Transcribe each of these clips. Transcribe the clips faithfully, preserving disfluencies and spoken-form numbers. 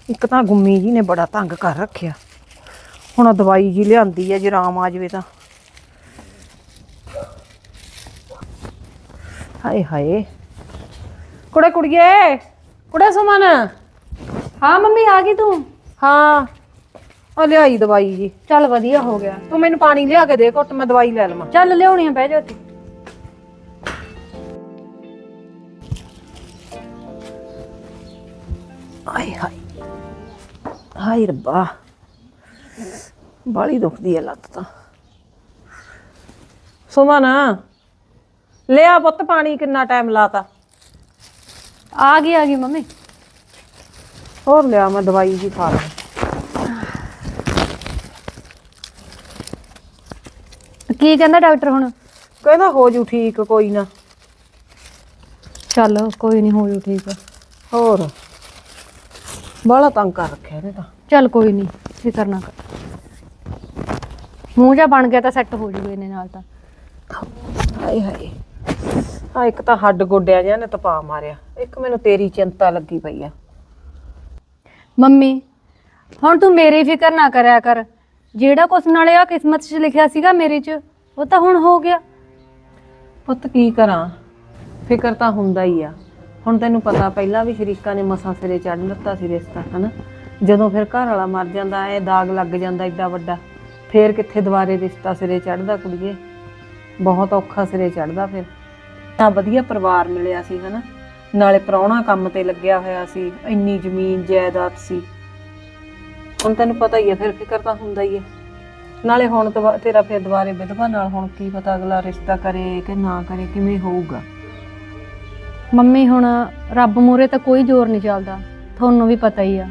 ਇੱਕ ਤਾਂ ਗੁੰਮੀ ਜੀ ਨੇ ਬੜਾ ਤੰਗ ਕਰ ਰੱਖਿਆ। ਹੁਣ ਦਵਾਈ ਜੀ ਲਿਆਂਦੀ ਹੈ, ਜੇ ਆਰਾਮ ਆ ਜਾਵੇ ਤਾਂ। ਹਾਏ ਹਾਏ ਕੁੜੇ ਕੁੜੀਏ, ਕੁੜੇ ਸੁਮਨ। हाँ मम्मी आ गई तू? ਹਾਂ ਆ ਲਿਆਈ ਦਵਾਈ ਜੀ। चल वधिया हो गया। ਤੂੰ ਮੈਨੂੰ ਪਾਣੀ ਲਿਆ ਕੇ ਦੇ ਘੁੱਟ, ਮੈਂ ਦਵਾਈ ਲੈ ਲਵਾਂ। चल लियानी है, बह जा तू। ਹਾਏ ਹਾਏ ਹਾਏ ਰੱਬਾ, ਬਾਲੀ ਦੁਖਦੀ ਹੈ ਲੱਤ ਤਾਂ। ਸੁਮਨ ਲਿਆ ਪੁੱਤ ਪਾਣੀ, ਕਿੰਨਾ ਟਾਈਮ ਲਾਤਾ। आ गई आ गई मम्मी। ਹੋਰ ਲਿਆ, ਮੈਂ ਦਵਾਈ ਜੀ ਖਾ ਲਾਂ। की कहंदा डॉक्टर हुण? ਕਹਿੰਦਾ ਹੋ ਜੂ ਠੀਕ, ਕੋਈ ਨਾ। चल कोई नहीं, हो जू ठीक है। ਹੋਰ ਬਾਲਾ ਤੰਗ ਕਰ ਰੱਖਿਆ ਇਹਨੇ ਤਾਂ। चल कोई नहीं, फिकर ना कर। मूँह जा बन गया तो सैट हो जूगे इन्हें नाल तां। ਹਾਏ ਹਾਏ ਆ ਇੱਕ ਤਾਂ ਹੱਡ ਗੋਡਿਆਂ ਜਿਹਾ ਨੇ ਤਪਾ ਮਾਰਿਆ, ਇੱਕ ਮੈਨੂੰ ਤੇਰੀ ਚਿੰਤਾ ਲੱਗੀ ਪਈ ਆ। ਮੰਮੀ ਹੁਣ ਤੂੰ ਮੇਰੀ ਫਿਕਰ ਨਾ ਕਰਿਆ ਕਰ। ਜਿਹੜਾ ਕੁਛ ਨਾਲੇ ਆ ਕਿਸਮਤ 'ਚ ਲਿਖਿਆ ਸੀਗਾ ਮੇਰੇ 'ਚ, ਉਹ ਤਾਂ ਹੁਣ ਹੋ ਗਿਆ। ਪੁੱਤ ਕੀ ਕਰਾਂ, ਫਿਕਰ ਤਾਂ ਹੁੰਦਾ ਹੀ ਆ। ਹੁਣ ਤੈਨੂੰ ਪਤਾ ਪਹਿਲਾਂ ਵੀ ਸ਼ਰੀਕਾਂ ਨੇ ਮਸਾਂ ਸਿਰੇ ਚੜ੍ਹ ਦਿੱਤਾ ਸੀ ਰਿਸ਼ਤਾ, ਹਨਾ। ਜਦੋਂ ਫਿਰ ਘਰ ਵਾਲਾ ਮਰ ਜਾਂਦਾ, ਇਹ ਦਾਗ ਲੱਗ ਜਾਂਦਾ ਏਡਾ ਵੱਡਾ, ਫੇਰ ਕਿੱਥੇ ਦੁਬਾਰੇ ਰਿਸ਼ਤਾ ਸਿਰੇ ਚੜ੍ਹਦਾ ਕੁੜੀਏ। ਬਹੁਤ ਔਖਾ ਸਿਰੇ ਚੜ੍ਹਦਾ। ਫਿਰ ਤਾਂ ਵਧੀਆ ਪਰਿਵਾਰ ਮਿਲਿਆ ਸੀ, ਹਨਾ। ਨਾਲੇ ਪ੍ਰਾਹੁਣਾ ਕੰਮ ਤੇ ਲੱਗਿਆ ਹੋਇਆ ਸੀ, ਇੰਨੀ ਜ਼ਮੀਨ ਜਾਇਦਾਦ ਸੀ। ਹੁਣ ਤੈਨੂੰ ਪਤਾ ਹੀ ਆ, ਫਿਰ ਫਿਕਰ ਤਾਂ ਹੁੰਦਾ ਹੀ ਆ। ਨਾਲੇ ਹੁਣ ਤੇਰਾ ਫਿਰ ਦੁਬਾਰੇ ਵਿਧਵਾ ਨਾਲ ਹੁਣ ਕੀ ਪਤਾ ਅਗਲਾ ਰਿਸ਼ਤਾ ਕਰੇ ਕਿ ਨਾ ਕਰੇ, ਕਿਵੇਂ ਹੋਊਗਾ। ਮੰਮੀ ਹੁਣ ਰੱਬ ਮੂਹਰੇ ਤਾਂ ਕੋਈ ਜ਼ੋਰ ਨਹੀਂ ਚੱਲਦਾ, ਤੁਹਾਨੂੰ ਵੀ ਪਤਾ ਹੀ ਆ।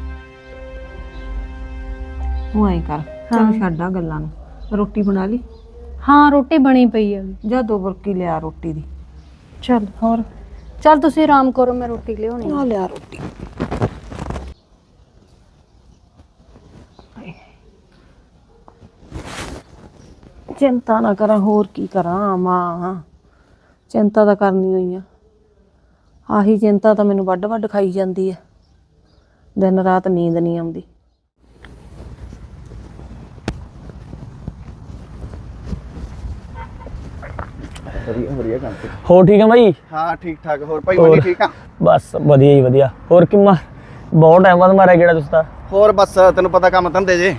ਤੂੰ ਐਂ ਕਰ, ਚੱਲ ਛੱਡ ਆ ਗੱਲਾਂ ਨੂੰ। ਰੋਟੀ ਬਣਾ ਲਈ? ਹਾਂ ਰੋਟੀ ਬਣੀ ਪਈ ਹੈ। ਜਾ ਦੋ ਬੁਰਕੀ ਲਿਆ ਰੋਟੀ ਦੀ। ਚਲ ਹੋਰ ਚੱਲ ਤੁਸੀਂ ਆਰਾਮ ਕਰੋ, ਮੈਂ ਰੋਟੀ ਲਿਆਉਣੀ ਆ। ਲਿਆ ਰੋਟੀ। ਚਿੰਤਾ ਨਾ ਕਰਾਂ, ਹੋਰ ਕੀ ਕਰਾਂ ਮਾਂ, ਚਿੰਤਾ ਤਾਂ ਕਰਨੀ ਹੋਈ ਆ। ਆਹੀ ਚਿੰਤਾ ਤਾਂ ਮੈਨੂੰ ਵੱਡ ਵੱਡ ਖਾਈ ਜਾਂਦੀ ਹੈ, ਦਿਨ ਰਾਤ ਨੀਂਦ ਨਹੀਂ ਆਉਂਦੀ। ਵਧੀਆ ਵਧੀਆ ਕੰਮ ਤੇ। ਹੋਰ ਠੀਕ ਆ ਬਾਈ? ਹਾਂ ਠੀਕ ਠਾਕ। ਹੋਰ ਭਾਈ ਮਨੀ ਠੀਕ ਆ? ਬਸ ਵਧੀਆ ਹੀ ਵਧੀਆ। ਹੋਰ ਕਿੰਨਾ ਬਹੁਤ ਟਾਈਮ ਬਾਅਦ ਮਾਰਿਆ ਕਿਹੜਾ ਤੁਸੀਂ ਤਾਂ? ਹੋਰ ਬਸ ਤੈਨੂੰ ਪਤਾ ਕੰਮ ਧੰਦੇ ਜੇ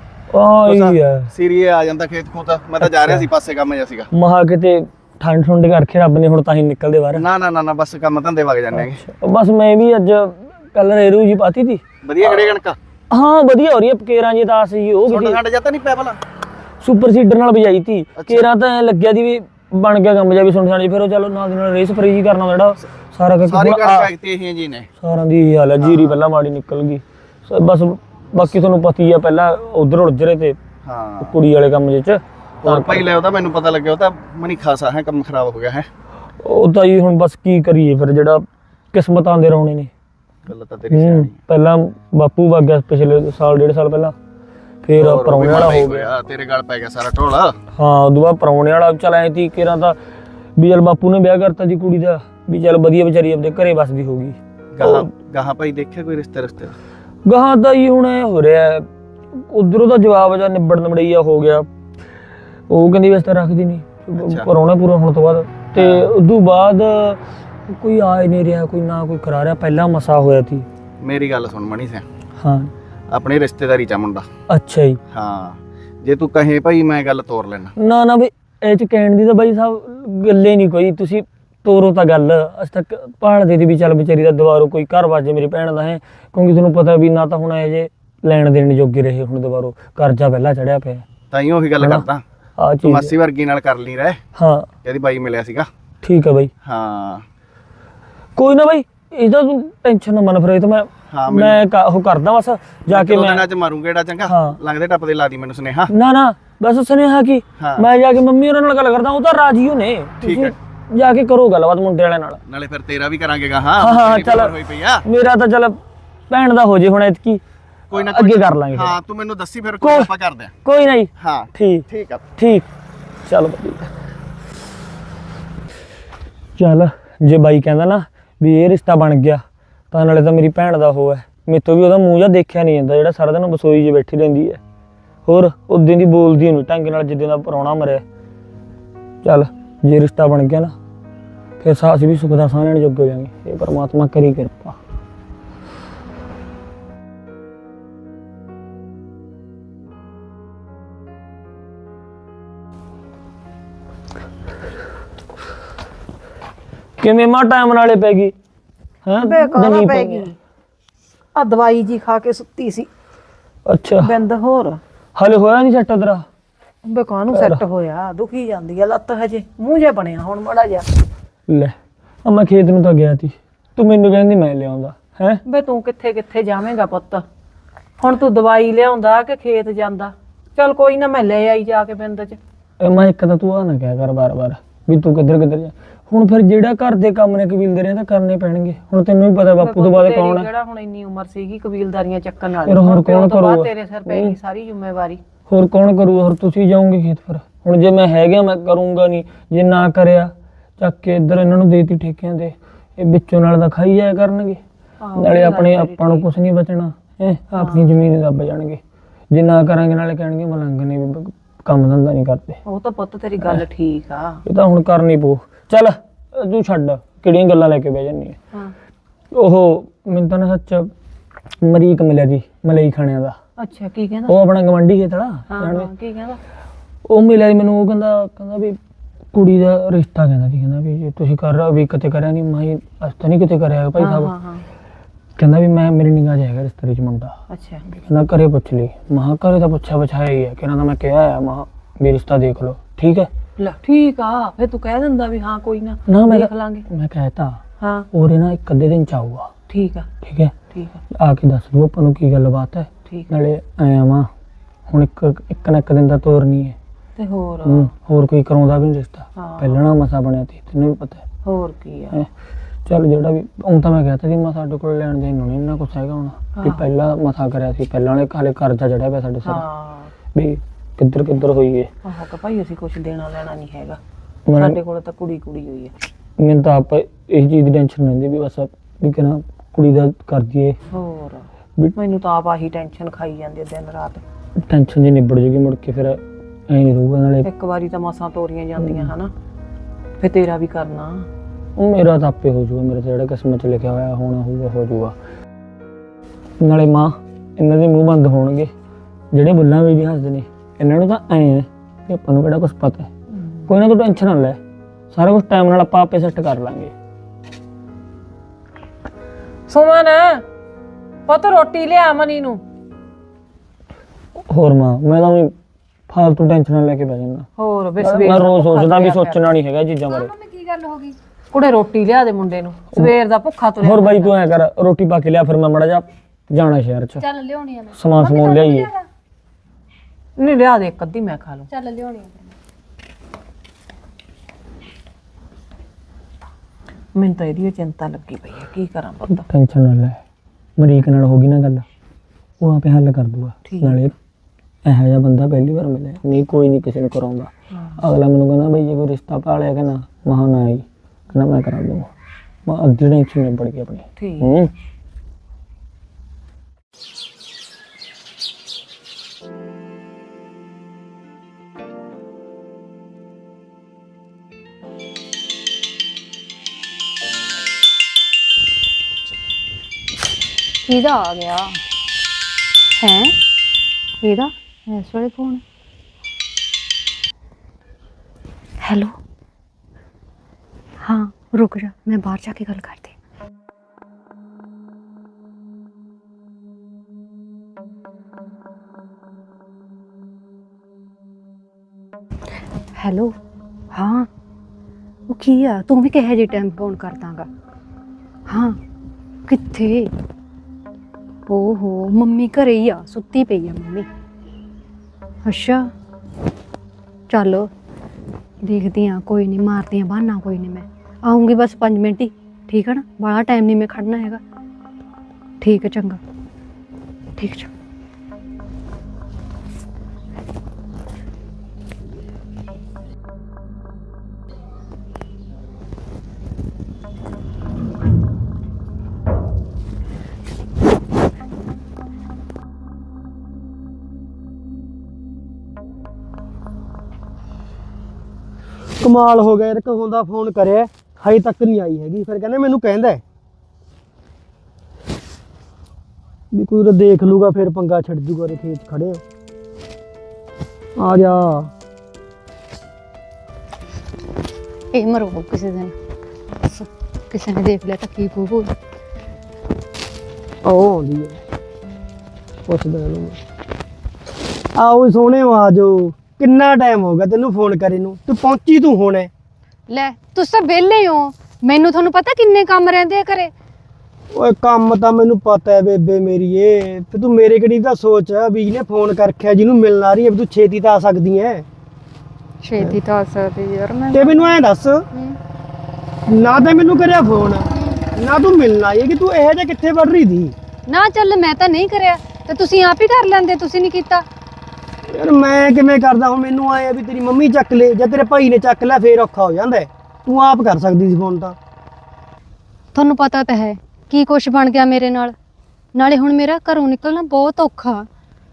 ਆਹੀ ਆ ਸੀਰੀਏ ਆ ਜਾਂਦਾ ਖੇਤ ਖੂਤ। ਮੈਂ ਤਾਂ ਜਾ ਰਿਹਾ ਸੀ ਪਾਸੇ, ਕੰਮ ਜਿਹਾ ਸੀਗਾ। ਮਹਾ ਕਿਤੇ ਠੰਡ ਠੁੰਡ ਕਰਕੇ ਰੱਬ ਨੇ ਹੁਣ ਤਾਂ ਹੀ ਨਿਕਲਦੇ ਬਾਹਰ। ਨਾ ਨਾ ਨਾ ਨਾ ਬਸ ਕੰਮ ਧੰਦੇ ਵਗ ਜਾਂਦੇ ਹੈਗੇ। ਬਸ ਮੈਂ ਵੀ ਅੱਜ ਕੱਲ ਰੇਰੂ ਜੀ ਪਾਤੀ ਤੀ। ਵਧੀਆ ਕਿਹੜੇ ਕਣਕਾਂ? ਹਾਂ ਵਧੀਆ ਹੋ ਰਹੀ ਹੈ। ਕੇਰਾਂ ਜੀ ਤਾਂ ਸੀ ਉਹ ਛੋਟਾ ਵੀ ਛੱਡ ਜਾਂਦਾ ਨਹੀਂ ਪਿਆ ਭਲਾ? ਸੁਪਰ ਸੀਡਰ ਨਾਲ ਵਜਾਈ ਤੀ। ਕੇਰਾਂ ਤਾਂ ਐਂ ਲੱਗਿਆ ਦੀ ਵੀ ਬਣ ਗਿਆ ਕੰਮ, ਜਾ ਵੀ ਸੁਣ ਸਾਣੀ। ਫਿਰ ਉਹ ਚਲੋ ਨਾਲ ਦੀ ਨਾਲ ਰੇਸ ਫਰੀ ਜੀ ਕਰਨਾ ਜਿਹੜਾ ਸਾਰਾ ਕੁਝ। ਸਾਰੀ ਕਣਕਾਂ ਕਿਤੇ ਇਹ ਜੀ ਨੇ ਸਾਰਿਆਂ ਦੀ ਇਹੀ ਹਾਲ ਹੈ। ਜੀਰੀ ਪਹਿਲਾਂ ਮਾੜੀ ਨਿਕਲ ਗਈ ਬਸ। ਬਾਕੀ ਤੁਹਾਨੂੰ ਪਤਾ ਹੀ ਆ, ਪਹਿਲਾਂ ਉਧਰ ਉਜਰੇ ਤੇ ਹਾਂ ਕੁੜੀ ਵਾਲੇ ਕੰਮ ਜਿਹੇ ਚ। ਹੋਰ ਭਾਈ ਲੈ, ਉਹਦਾ ਮੈਨੂੰ ਪਤਾ ਲੱਗਿਆ ਉਹ ਤਾਂ ਮਨੀ ਖਾਸਾ ਹੈ ਕੰਮ ਖਰਾਬ ਹੋ ਗਿਆ ਹੈ। ਉਹ ਤਾਂ ਜੀ ਹੁਣ ਬਸ ਕੀ ਕਰੀਏ, ਫਿਰ ਜਿਹੜਾ ਕਿਸਮਤਾਂ ਦੇ ਰੌਣੇ ਨੇ। ਗੱਲ ਤਾਂ ਤੇਰੀ ਸਿਆਣੀ। ਪਹਿਲਾਂ ਬਾਪੂ ਵਗ ਗਿਆ ਪਿਛਲੇ ਸਾਲ, ਡੇਢ ਸਾਲ ਪਹਿਲਾਂ। ਫਿਰ ਪਰੌਣੇ ਵਾਲਾ ਹੋ ਗਿਆ, ਤੇਰੇ ਗਲ ਪੈ ਗਿਆ ਸਾਰਾ ਢੋਲ। ਹਾਂ ਉਦੋਂ ਬਾਅਦ ਪਰੌਣੇ ਵਾਲਾ ਚੱਲ ਐ ਤੀ ਕਿਰਾਂ ਤਾਂ ਵੀ ਚੱਲ ਬਾਪੂ ਨੇ ਵਿਆਹ ਕਰਤਾ ਜੀ ਕੁੜੀ ਦਾ, ਵੀ ਚੱਲ ਵਧੀਆ ਵਿਚਾਰੀ ਆਪਣੇ ਘਰੇ ਵਸਦੀ ਹੋ ਗਈ। ਗਾਹਾਂ ਗਾਹਾਂ ਭਾਈ ਦੇਖਿਆ ਕੋਈ ਰਿਸ਼ਤੇ ਰਿਸ਼ਤੇ? ਗਾਹਾਂ ਦਾ ਹੀ ਹੁਣ ਇਹ ਹੋ ਰਿਹਾ, ਉਧਰੋਂ ਦਾ ਜਵਾਬ ਜਾਂ ਨਿਬੜ ਨਮੜਈਆ ਹੋ ਗਿਆ। ਉਹ ਕਹਿੰਦੀ ਵੈਸੇ ਤਾਂ ਰੱਖਦੀ ਨਹੀਂ ਪਰੌਣਾ ਪੂਰਾ ਹੋਣ ਤੋਂ ਬਾਅਦ। ਤੇ ਉਦੋਂ ਬਾਅਦ ਕੋਈ ਆ ਹੀ ਨਹੀਂ ਰਿਹਾ, ਕੋਈ ਨਾ ਕੋਈ ਕਰਾ ਰਿਹਾ। ਪਹਿਲਾਂ ਮਸਾ ਹੋਇਆ ਸੀ। ਮੇਰੀ ਗੱਲ ਸੁਣ ਮਣੀ ਸਿਆ, ਹਾਂ ਆਪਣੀ ਰਿਸ਼ਤੇਦਾਰੀ ਚ ਆ ਮੁੰਡਾ। ਅੱਛਾ ਜੀ। ਹਾਂ ਜੇ ਤੂੰ ਕਹੇ ਭਾਈ ਮੈਂ ਗੱਲ ਤੋਰ ਲੈਣਾ। ਨਾ ਨਾ ਬਈ ਇਹ ਚ ਕਹਿਣ ਦੀ ਤਾਂ ਬਾਈ ਸਾਹਿਬ ਗੱਲੇ ਨਹੀਂ ਕੋਈ, ਤੁਸੀਂ ਤੋਰੋ ਤਾਂ ਗੱਲ। ਅਜ ਤੱਕ ਭਾਲਦੇ ਦੀ ਵੀ ਚੱਲ ਵਿਚਾਰੀ ਦਾ ਦੁਬਾਰੋਂ ਕੋਈ ਘਰ ਵਾਜੇ ਮੇਰੀ ਭੈਣ ਦਾ ਹੈ, ਕਿਉਂਕਿ ਤੁਹਾਨੂੰ ਪਤਾ ਵੀ ਨਾ ਤਾਂ ਹੁਣ ਇਹ ਜੇ ਲੈਣ ਦੇਣ ਜੋਗੇ ਰਹੇ, ਹੁਣ ਦੁਬਾਰੋਂ ਕਰਜ਼ਾ ਪਹਿਲਾਂ ਚੜਿਆ ਪਿਆ। ਤਾਂ ਹੀ ਉਹੀ ਗੱਲ ਕਰਦਾ, ਆ ਤੂੰ ਮਾਸੀ ਵਰਗੀ ਨਾਲ ਕਰ ਲਈ ਰਹਿ। ਹਾਂ ਇਹਦੀ ਬਾਈ ਮਿਲਿਆ ਸੀਗਾ। ਠੀਕ ਆ ਬਾਈ। ਹਾਂ ਕੋਈ ਨਾ ਬਾਈ, ਇਹਦਾ ਤੂੰ ਟੈਨਸ਼ਨ ਨਾ ਮੰਨ। ਫਿਰ ਇਹ ਤਾਂ ਮੈਂ ਹਾਂ ਮੈਂ ਉਹ ਕਰਦਾ ਬਸ ਜਾ ਕੇ। ਮੈਂ ਦਿਨਾਂ ਚ ਮਾਰੂੰਗਾ ਏਡਾ ਚੰਗਾ। ਲੰਘਦੇ ਟੱਪਦੇ ਲਾ ਦੀ ਮੈਨੂੰ ਸੁਨੇਹਾ। ਨਾ ਨਾ ਬਸ ਸੁਨੇਹਾ ਕੀ, ਮੈਂ ਜਾ ਕੇ ਮੰਮੀ ਉਹਨਾਂ ਨਾਲ ਗੱਲ ਕਰਦਾ, ਉਹ ਤਾਂ ਰਾਜੀ ਹੋ ਨੇ। ਠੀਕ ਹੈ ਜਾ ਕੇ ਕਰੋ ਗੱਲਬਾਤ ਮੁੰਡੇ ਵਾਲਿਆਂ ਨਾਲ। ਨਾਲੇ ਫਿਰ ਤੇਰਾ ਵੀ ਕਰਾਂਗੇ ਗਾ। ਹਾਂ ਹਾਂ ਚੱਲ ਹੋਈ ਪਈ ਆ ਮੇਰਾ ਤਾਂ ਚੱਲ ਭੈਣ ਦਾ ਹੋ ਜੇ ਹੁਣ ਇਤਕੀ, ਕੋਈ ਨਾ ਅੱਗੇ ਕਰ ਲਾਂਗੇ। ਹਾਂ ਤੂੰ ਮੈਨੂੰ ਦੱਸੀ ਫਿਰ, ਕੋਈ ਆਪਾਂ ਕਰਦੇ ਆ। ਕੋਈ ਨਹੀਂ। ਹਾਂ ਠੀਕ ਠੀਕ ਆ ਠੀਕ। ਚੱਲ ਚੱਲ ਜੇ ਬਾਈ ਕਹਿੰਦਾ ਨਾ ਵੀ ਇਹ ਰਿਸ਼ਤਾ ਬਣ ਗਿਆ, ਤਾਂ ਨਾਲੇ ਤਾਂ ਮੇਰੀ ਭੈਣ ਦਾ ਉਹ ਹੈ, ਮੇਤੋਂ ਵੀ ਉਹਦਾ ਮੂੰਹ ਜਿਹਾ ਦੇਖਿਆ ਨਹੀਂ ਜਾਂਦਾ ਜਿਹੜਾ ਸਾਰਾ ਦਿਨ ਰਸੋਈ 'ਚ ਬੈਠੀ ਰਹਿੰਦੀ ਹੈ। ਹੋਰ ਉਦੋਂ ਦੀ ਬੋਲਦੀ ਨਹੀਂ ਢੰਗ ਨਾਲ ਜਿੱਦਾਂ ਦਾ ਪ੍ਰਾਹੁਣਾ ਮਰਿਆ। ਚੱਲ ਜੇ ਰਿਸ਼ਤਾ ਬਣ ਗਿਆ ਨਾ ਫਿਰ ਸਾਂ ਅਸੀਂ ਵੀ ਸੁੱਖ ਦਾ ਸਾਹ ਲੈਣ ਜੋਗੇ ਹੋ ਜਾਵਾਂਗੇ। ਇਹ ਪਰਮਾਤਮਾ ਕਰੀ ਕਿਰਪਾ। ਕਿਵੇਂ ਮਾਂ ਟਾਈਮ ਨਾਲੇ ਪੈ ਗਈ ਹੈ? ਬੇਕਾਰ ਪੈ ਗਈ ਆ ਦਵਾਈ ਜੀ ਖਾ ਕੇ ਸੁੱਤੀ ਸੀ। ਅੱਛਾ ਬਿੰਦ ਹੋਰ ਹਲੇ ਹੋਇਆ ਨਹੀਂ ਸੈੱਟ ਤੇਰਾ? ਬੇਕਾਰ ਨੂੰ ਸੈੱਟ ਹੋਇਆ, ਦੁਖੀ ਜਾਂਦੀ ਆ ਲੱਤ ਹਜੇ, ਮੂੰਹ ਜਿਹਾ ਬਣਿਆ ਹੁਣ ਮੜਾ ਜਾ। ਲੈ ਆ ਮੈਂ ਖੇਤ ਨੂੰ ਤਾਂ ਗਿਆ ਸੀ, ਤੂੰ ਮੈਨੂੰ ਕਹਿੰਦੀ ਮੈਂ ਲਿਆਉਂਦਾ ਹੈ। ਬੇ ਤੂੰ ਕਿੱਥੇ ਕਿੱਥੇ ਜਾਵੇਂਗਾ ਪੁੱਤ, ਹੁਣ ਤੂੰ ਦਵਾਈ ਲਿਆਉਂਦਾ ਕਿ ਖੇਤ ਜਾਂਦਾ? ਚੱਲ ਕੋਈ ਨਾ, ਮੈਂ ਲੈ ਆਈ ਜਾ ਕੇ ਪਿੰਡ 'ਚ। ਮੈਂ ਇੱਕ ਤਾਂ ਤੂੰ ਆ ਨਾ ਕਹਿ ਕਰ ਬਾਰ-ਬਾਰ ਵੀ ਤੂੰ ਕਿੱਧਰ ਕਿੱਧਰ ਜਾ। ਹੁਣ ਫਿਰ ਜਿਹੜਾ ਘਰ ਦੇ ਕੰਮ ਨੇ ਕਬੀਲਦਾਰੀਆਂ ਤਾਂ ਕਰਨੇ ਪੈਣਗੇ। ਹੁਣ ਤੈਨੂੰ ਵੀ ਪਤਾ ਬਾਪੂ ਤੋਂ ਬਾਅਦ ਕੌਣ ਹੈ? ਜਿਹੜਾ ਹੁਣ ਇੰਨੀ ਉਮਰ ਸੀਗੀ ਕਬੀਲਦਾਰੀਆਂ ਚੱਕਣ ਵਾਲੀ, ਫਿਰ ਹੋਰ ਕੌਣ ਕਰੂਗਾ? ਤੇਰੇ ਸਿਰ ਪੈ ਗਈ ਸਾਰੀ ਜ਼ਿੰਮੇਵਾਰੀ। ਹੋਰ ਕੌਣ ਕਰੂ? ਹੋਰ ਤੁਸੀਂ ਜਾਓਗੇ ਖੇਤ? ਫਿਰ ਹੁਣ ਜੇ ਮੈਂ ਹੈਗਾ ਮੈਂ ਕਰੂੰਗਾ ਨਹੀਂ, ਜੇ ਨਾ ਕਰਿਆ ਚੱਕ ਕੇ ਇੱਧਰ ਇਹਨਾਂ ਨੂੰ ਦੇਤੀ ਠੇਕਿਆਂ ਤੇ, ਇਹ ਵਿੱਚੋਂ ਨਾਲ ਤਾਂ ਖਾਈ ਜਾਇਆ ਕਰਨਗੇ। ਨਾਲੇ ਆਪਣੇ ਆਪਾਂ ਨੂੰ ਕੁਝ ਨਹੀਂ ਬਚਣਾ ਹੈ, ਆਪਣੀ ਜ਼ਮੀਨ ਦੱਬ ਜਾਣਗੇ। ਜੇ ਨਾ ਕਰਾਂਗੇ ਨਾਲੇ ਕਹਿਣਗੇ ਮਲੰਗ ਨੇ ਵੀ ਕੰਮ ਧੰਦਾ ਨਹੀਂ ਕਰਦੇ। ਉਹ ਤਾਂ ਪੁੱਤ ਤੇਰੀ ਗੱਲ ਠੀਕ ਆ, ਇਹ ਤਾਂ ਹੁਣ ਕਰਨੀ ਪਊ। ਚੱਲ ਤੂੰ ਛੱਡ ਕਿਹੜੀਆਂ ਗੱਲਾਂ ਲੈ ਕੇ ਬਹਿ ਜਾਂਦੀ ਹੈ। ਹਾਂ ਉਹ ਮੈਨੂੰ ਤਾਂ ਨਾ ਸੱਚ ਮਰੀਕ ਮਿਲਿਆ ਜੀ ਮਲਈ ਖਾਣਿਆਂ ਦਾ। ਅੱਛਾ ਕੀ ਕਹਿੰਦਾ? ਉਹ ਆਪਣਾ ਗਵੰਡੀ ਹੈ ਥੜਾ, ਹਾਂ ਕੀ ਕਹਿੰਦਾ? ਉਹ ਮਿਲਿਆ ਜੀ ਮੈਨੂੰ। ਉਹ ਕਹਿੰਦਾ ਕਹਿੰਦਾ ਵੀ ਕੁੜੀ ਦਾ ਰਿਸ਼ਤਾ ਕਹਿੰਦਾ ਸੀ, ਕਹਿੰਦਾ ਵੀ ਜੇ ਤੁਸੀਂ ਕਰ ਰਹੇ ਹੋ ਵੀ ਕਿਤੇ ਕਰਿਆ ਨਹੀਂ। ਮੈਂ ਅੱਜ ਤਾਂ ਨਹੀਂ ਕਿਤੇ ਕਰਿਆ ਭਾਈ ਸਾਹਿਬ। ਹਾਂ ਹਾਂ ਕਹਿੰਦਾ ਵੀ ਮੈਂ ਮੇਰੀ ਨਿਗਾਹ 'ਚ ਹੈਗਾ ਰਿਸ਼ਤੇ 'ਚ ਮੁੰਡਾ। ਅੱਛਾ ਕਹਿੰਦਾ ਘਰੇ ਪੁੱਛ ਲਈ। ਮਹਾਂ ਘਰੇ ਤਾਂ ਪੁੱਛਿਆ ਪੁੱਛਾਇਆ ਹੀ ਹੈ। ਕਹਿੰਦਾ ਮੈਂ ਕਿਹਾ ਆ ਮਹਾਂ ਵੀ ਰਿਸ਼ਤਾ ਦੇਖ ਲਓ ਠੀਕ ਹੈ। ਲੈ ਠੀਕ ਆ, ਫਿਰ ਤੂੰ ਕਹਿ ਦਿੰਦਾ ਵੀ ਹਾਂ ਕੋਈ ਨਾ ਨਾ ਮੈਂ ਦੇਖ ਲਾਂਗੇ। ਮੈਂ ਕਹਿਤਾ ਹਾਂ ਉਹਦੇ ਨਾ ਇੱਕ ਅੱਧੇ ਦਿਨ ਚ ਆਊਗਾ। ਠੀਕ ਆ ਠੀਕ ਹੈ, ਠੀਕ ਆ ਆ ਕੇ ਦੱਸ ਦੂ ਆਪਾਂ ਨੂੰ ਕੀ ਗੱਲਬਾਤ ਹੈ। ਠੀਕ ਆ। ਨਾਲੇ ਆਇਆ ਵਾਂ ਹੁਣ ਇੱਕ ਇੱਕ ਨਾ ਇੱਕ ਦਿਨ ਦਾ ਤੋਰਨੀ ਹੈ। ਤੇ ਹੋਰ ਹੂੰ, ਹੋਰ ਕੋਈ ਕਰਾਉਂਦਾ ਵੀ ਨਹੀਂ ਰਿਸ਼ਤਾ। ਹਾਂ। ਪਹਿਲਾਂ ਨਾ ਮਸਾ ਬਣਿਆ ਤੀ, ਤੈਨੂੰ ਵੀ ਪਤਾ ਹੈ। ਹੋਰ ਕੀ ਆ। ਹੈਂ। ਚੱਲ ਜਿਹੜਾ ਵੀ ਹੁਣ ਤਾਂ ਮੈਂ ਕਹਿਤਾ ਸੀ ਮੈਂ ਸਾਡੇ ਕੋਲ ਲੈਣ ਦੇਣ ਨੂੰ ਨਹੀਂ ਇੰਨਾ ਕੁਛ ਹੈਗਾ ਹੁਣ ਵੀ ਹਾਂ। ਪਹਿਲਾਂ ਮਸਾ ਕਰਿਆ ਸੀ, ਪਹਿਲਾਂ ਵਾਲੇ ਕਾਲੇ ਕਰਜ਼ਾ ਚੜਿਆ ਪਿਆ ਸਾਡੇ ਸਿਰ ਹਾਂ ਵੀ ਕਿੱਧਰ ਕਿੱਧਰ ਹੋਈਏ। ਆਹੋ ਕਿ ਭਾਈ ਅਸੀਂ ਕੁਝ ਦੇਣਾ ਲੈਣਾ ਨਹੀਂ ਹੈਗਾ, ਮੈਂ- ਸਾਡੇ ਕੋਲ ਤਾਂ ਕੁੜੀ ਕੁੜੀ ਹੋਈ ਹੈ। ਮੈਨੂੰ ਤਾਂ ਆਪ ਇਸ ਚੀਜ਼ ਦੀ ਟੈਨਸ਼ਨ ਰਹਿੰਦੀ ਵੀ ਬਸ ਵੀ ਕਿਹਨਾਂ ਕੁੜੀ ਦਾ ਕਰ ਦਈਏ। ਹੋਰ ਵੀ ਮੈਨੂੰ ਤਾਂ ਆਪ ਆਹੀ ਟੈਨਸ਼ਨ ਖਾਈ ਜਾਂਦੀ ਹੈ ਦਿਨ ਰਾਤ। ਟੈਨਸ਼ਨ ਜੀ ਨਿਬੜ ਜੂਗੀ ਮੁੜ ਕੇ ਫਿਰ ਐਂ ਨਹੀਂ ਰਹੂਗਾ। ਨਾਲੇ ਇੱਕ ਵਾਰੀ ਤਾਂ ਮਸਾਂ ਤੋਰੀਆਂ ਜਾਂਦੀਆਂ ਹਨਾ, ਫਿਰ ਤੇਰਾ ਵੀ ਕਰਨਾ। ਉਹ ਮੇਰਾ ਤਾਂ ਆਪੇ ਹੋ ਜਾਊਗਾ, ਮੇਰੇ ਤੇ ਜਿਹੜਾ ਕਿਸਮਤ 'ਚ ਲਿਖਿਆ ਹੋਇਆ ਹੋਣਾ ਹੋਊਗਾ ਹੋ ਜਾਊਗਾ। ਨਾਲੇ ਮਾਂ ਇਹਨਾਂ ਦੇ ਮੂੰਹ ਬੰਦ ਹੋਣਗੇ ਜਿਹੜੇ ਬੁੱਲਾਂ ਵੀ ਵੀ ਹੱਸਦੇ ਨੇ। ਇਹਨਾਂ ਨੂੰ ਤਾਂ ਐਂ ਹੈ ਕਿ ਆਪਾਂ ਨੂੰ ਕਿਹੜਾ ਕੁਛ ਪਤਾ ਹੈ। ਕੋਈ ਨਾ ਤੂੰ ਟੈਨਸ਼ਨ ਨਾ ਲੈ, ਸਾਰਾ ਕੁਝ ਟਾਈਮ ਨਾਲ ਆਪਾਂ ਆਪੇ ਸੈੱਟ ਕਰ ਲਾਂਗੇ। ਸੁਮਨ ਪੁੱਤ ਰੋਟੀ ਲਿਆ ਮਨੀ ਨੂੰ। ਹੋਰ ਮਾਂ ਮੈਂ ਤਾਂ ਵੀ ਫਾਲਤੂ ਟੈਨਸ਼ਨ ਲੈ ਕੇ ਬਹਿ ਜਾਂਦਾ। ਹੋਰ ਮੈਂ ਰੋਜ਼ ਸੋਚਦਾ ਵੀ ਸੋਚਣਾ ਨਹੀਂ ਹੈਗਾ ਚੀਜ਼ਾਂ ਬਾਰੇ। ਕੀ ਗੱਲ ਹੋ ਗਈ? ਕੁੜੇ ਰੋਟੀ ਲਿਆ ਦੇ ਮੁੰਡੇ ਨੂੰ, ਸਵੇਰ ਦਾ ਭੁੱਖਾ ਤੁਰਿਆ। ਹੋਰ ਬਾਈ ਤੂੰ ਐ ਕਰ ਰੋਟੀ ਪਾ ਕੇ ਲਿਆ, ਫਿਰ ਮੈਂ ਮੜਾ ਜਾ ਜਾਣਾ ਸ਼ਹਿਰ 'ਚ ਚੱਲ ਲਿਆਉਣੀ ਆ ਮੈਂ। ਸਮਾਨ ਸਮੂਨ ਲਿਆਈਏ। ਨਹੀਂ ਲਿਆ ਦੇ ਇੱਕ ਅੱਧੀ ਮੈਂ ਖਾ ਲੂੰ। ਚੱਲ ਲਿਆਉਣੀ ਆ। ਮੈਨੂੰ ਤਾਂ ਇਹਦੀ ਚਿੰਤਾ ਲੱਗੀ ਪਈ ਹੈ, ਕੀ ਕਰਾਂ ਪੁੱਤ। ਟੈਨਸ਼ਨ ਨਾ ਲੈ, ਮਰੀਕ ਨਾਲ ਹੋ ਗਈ ਨਾ ਗੱਲ, ਉਹ ਆਪੇ ਹੱਲ ਕਰ ਦੂਗਾ। ਨਾਲੇ ਇਹੋ ਜਿਹਾ ਬੰਦਾ ਪਹਿਲੀ ਵਾਰ ਮਿਲਿਆ ਨਹੀਂ, ਕੋਈ ਨਹੀਂ ਕਿਸੇ ਨੂੰ ਕਰਾਉਂਦਾ। ਅਗਲਾ ਮੈਨੂੰ ਕਹਿੰਦਾ ਬਈ ਜੇ ਕੋਈ ਰਿਸ਼ਤਾ ਭਾਲਿਆ ਕਹਿੰਦਾ ਮਹਾਂ ਨਾ ਆਈ, ਕਹਿੰਦਾ ਮੈਂ ਕਰਾ ਦੂੰਗਾ। ਮੈਂ ਅੱਧੀ ਟੈਨਸ਼ਨ ਨਿਬੜ ਗਈ ਆਪਣੀ। ਠੀਕ ਹੂੰ ਕਿਹਦਾ ਆ ਗਿਆ ਹੈ? ਇਹਦਾ ਇਸ ਵੇਲੇ ਫੋਨ? ਹੈਲੋ, ਹਾਂ ਰੁਕ ਜਾ, ਮੈਂ ਬਾਹਰ ਜਾ ਕੇ ਗੱਲ ਕਰਦੀ। ਹੈਲੋ, ਹਾਂ ਉਹ ਕੀ ਆ? ਤੂੰ ਵੀ ਕਿਹੋ ਜਿਹੇ ਟਾਈਮ ਫੋਨ ਕਰ ਦਾਂਗਾ? ਹਾਂ ਕਿੱਥੇ? ਓਹੋ ਮੰਮੀ ਘਰੇ ਹੀ ਆ, ਸੁੱਤੀ ਪਈ ਆ ਮੰਮੀ। ਅੱਛਾ ਚੱਲ ਦੇਖਦੀ ਆ, ਕੋਈ ਨਹੀਂ ਮਾਰਦੀ ਆ ਬਹਾਨਾ, ਕੋਈ ਨਹੀਂ ਮੈਂ ਆਉਂਗੀ ਬਸ ਪੰਜ ਮਿੰਟ ਹੀ। ਠੀਕ ਹੈ ਨਾ, ਬੜਾ ਟਾਈਮ ਨਹੀਂ ਮੈਂ ਖੜਨਾ ਹੈਗਾ। ਠੀਕ ਹੈ ਚੰਗਾ, ਠੀਕ ਚੰਗਾ। ਕਮਾਲ ਹੋ ਗਿਆ ਯਾਰ, ਕਦੋਂ ਦਾ ਫੋਨ ਕਰਿਆ ਹਜੇ ਤੱਕ ਨਹੀਂ ਆਈ ਹੈਗੀ। ਫਿਰ ਕਹਿੰਦੇ ਮੈਨੂੰ ਕਹਿੰਦਾ ਹੈ ਵੀ ਕੋਈ ਉਰੇ ਦੇਖ ਲੂਗਾ ਫਿਰ ਪੰਗਾ ਛੱਡ ਜੂਗਾ। ਉਰੇ ਖੇਤ ਖੜੇ ਆ, ਆ ਜਾ। ਇਹ ਮਰੋ ਕਿਸੇ ਦਿਨ, ਕਿਸੇ ਨੇ ਦੇਖ ਲਿਆ ਤਾਂ ਕੀ ਕਹੂ। ਉਹ ਆਉਂਦੀ ਹੈ, ਪੁੱਛਦਾ ਇਹਨੂੰ। ਆਓ ਸੋਹਣੇ ਆ ਜਾਓ, ਕਿੰਨਾ ਟਾਈਮ ਹੋ ਗਿਆ ਤੈਨੂੰ ਫੋਨ ਕਰੇ ਨੂੰ, ਤੂੰ ਪਹੁੰਚੀ ਤੂੰ ਹੁਣ। ਲੈ ਤੁਸੀਂ ਤਾਂ ਵਿਹਲੇ ਹੋ, ਮੈਨੂੰ ਤੁਹਾਨੂੰ ਪਤਾ ਕਿੰਨੇ ਕੰਮ ਰਹਿੰਦੇ ਆ ਘਰੇ। ਓਏ ਕੰਮ ਤਾਂ ਮੈਨੂੰ ਪਤਾ ਹੈ ਬੇਬੇ ਮੇਰੀਏ, ਤੇ ਤੂੰ ਮੇਰੇ ਕਿਹੜੀ ਦਾ ਸੋਚ ਵੀ ਇਹਨੇ ਫੋਨ ਕਰ ਰੱਖਿਆ ਜਿਹਨੂੰ ਮਿਲਣ ਆ ਰਹੀ ਹੈ, ਵੀ ਤੂੰ ਛੇਤੀ ਤਾਂ ਆ ਸਕਦੀ ਐ। ਛੇਤੀ ਤਾਂ ਆ ਸਕਦੀ ਯਾਰ ਮੈਂ। ਤੇ ਮੈਨੂੰ ਐਂ ਦੱਸ, ਨਾ ਤਾਂ ਮੈਨੂੰ ਕਰਿਆ ਫੋਨ, ਨਾ ਤੂੰ ਮਿਲਣ ਆਈ ਹੈ, ਕਿ ਤੂੰ ਇਹੋ ਜਿਹਾ ਕਿੱਥੇ ਵੜ ਰਹੀ ਸੀ? ਨਾ ਚੱਲ ਮੈਂ ਤਾਂ ਨਹੀਂ ਕਰਿਆ ਤੇ ਤੁਸੀਂ ਆਪ ਹੀ ਕਰ ਲੈਂਦੇ, ਤੁਸੀਂ ਨਹੀਂ ਕੀਤਾ। ਯਾਰ ਮੈਂ ਕਿਵੇਂ ਕਰਦਾ ਹੁਣ, ਮੈਨੂੰ ਆਏ ਆ ਵੀ ਤੇਰੀ ਮੰਮੀ ਚੱਕ ਲੇ ਜਾਂ ਤੇਰੇ ਭਾਈ ਨੇ ਚੱਕ ਲਿਆ ਫੇਰ ਔਖਾ ਹੋ ਜਾਂਦਾ ਹੈ। ਤੂੰ ਆਪ ਕਰ ਸਕਦੀ ਸੀ ਫੋਨ ਤਾਂ। ਤੁਹਾਨੂੰ ਪਤਾ ਤਾਂ ਹੈ ਕੀ ਕੁਛ ਬਣ ਗਿਆ ਮੇਰੇ ਨਾਲ, ਨਾਲੇ ਹੁਣ ਮੇਰਾ ਘਰੋਂ ਨਿਕਲਣਾ ਬਹੁਤ ਔਖਾ।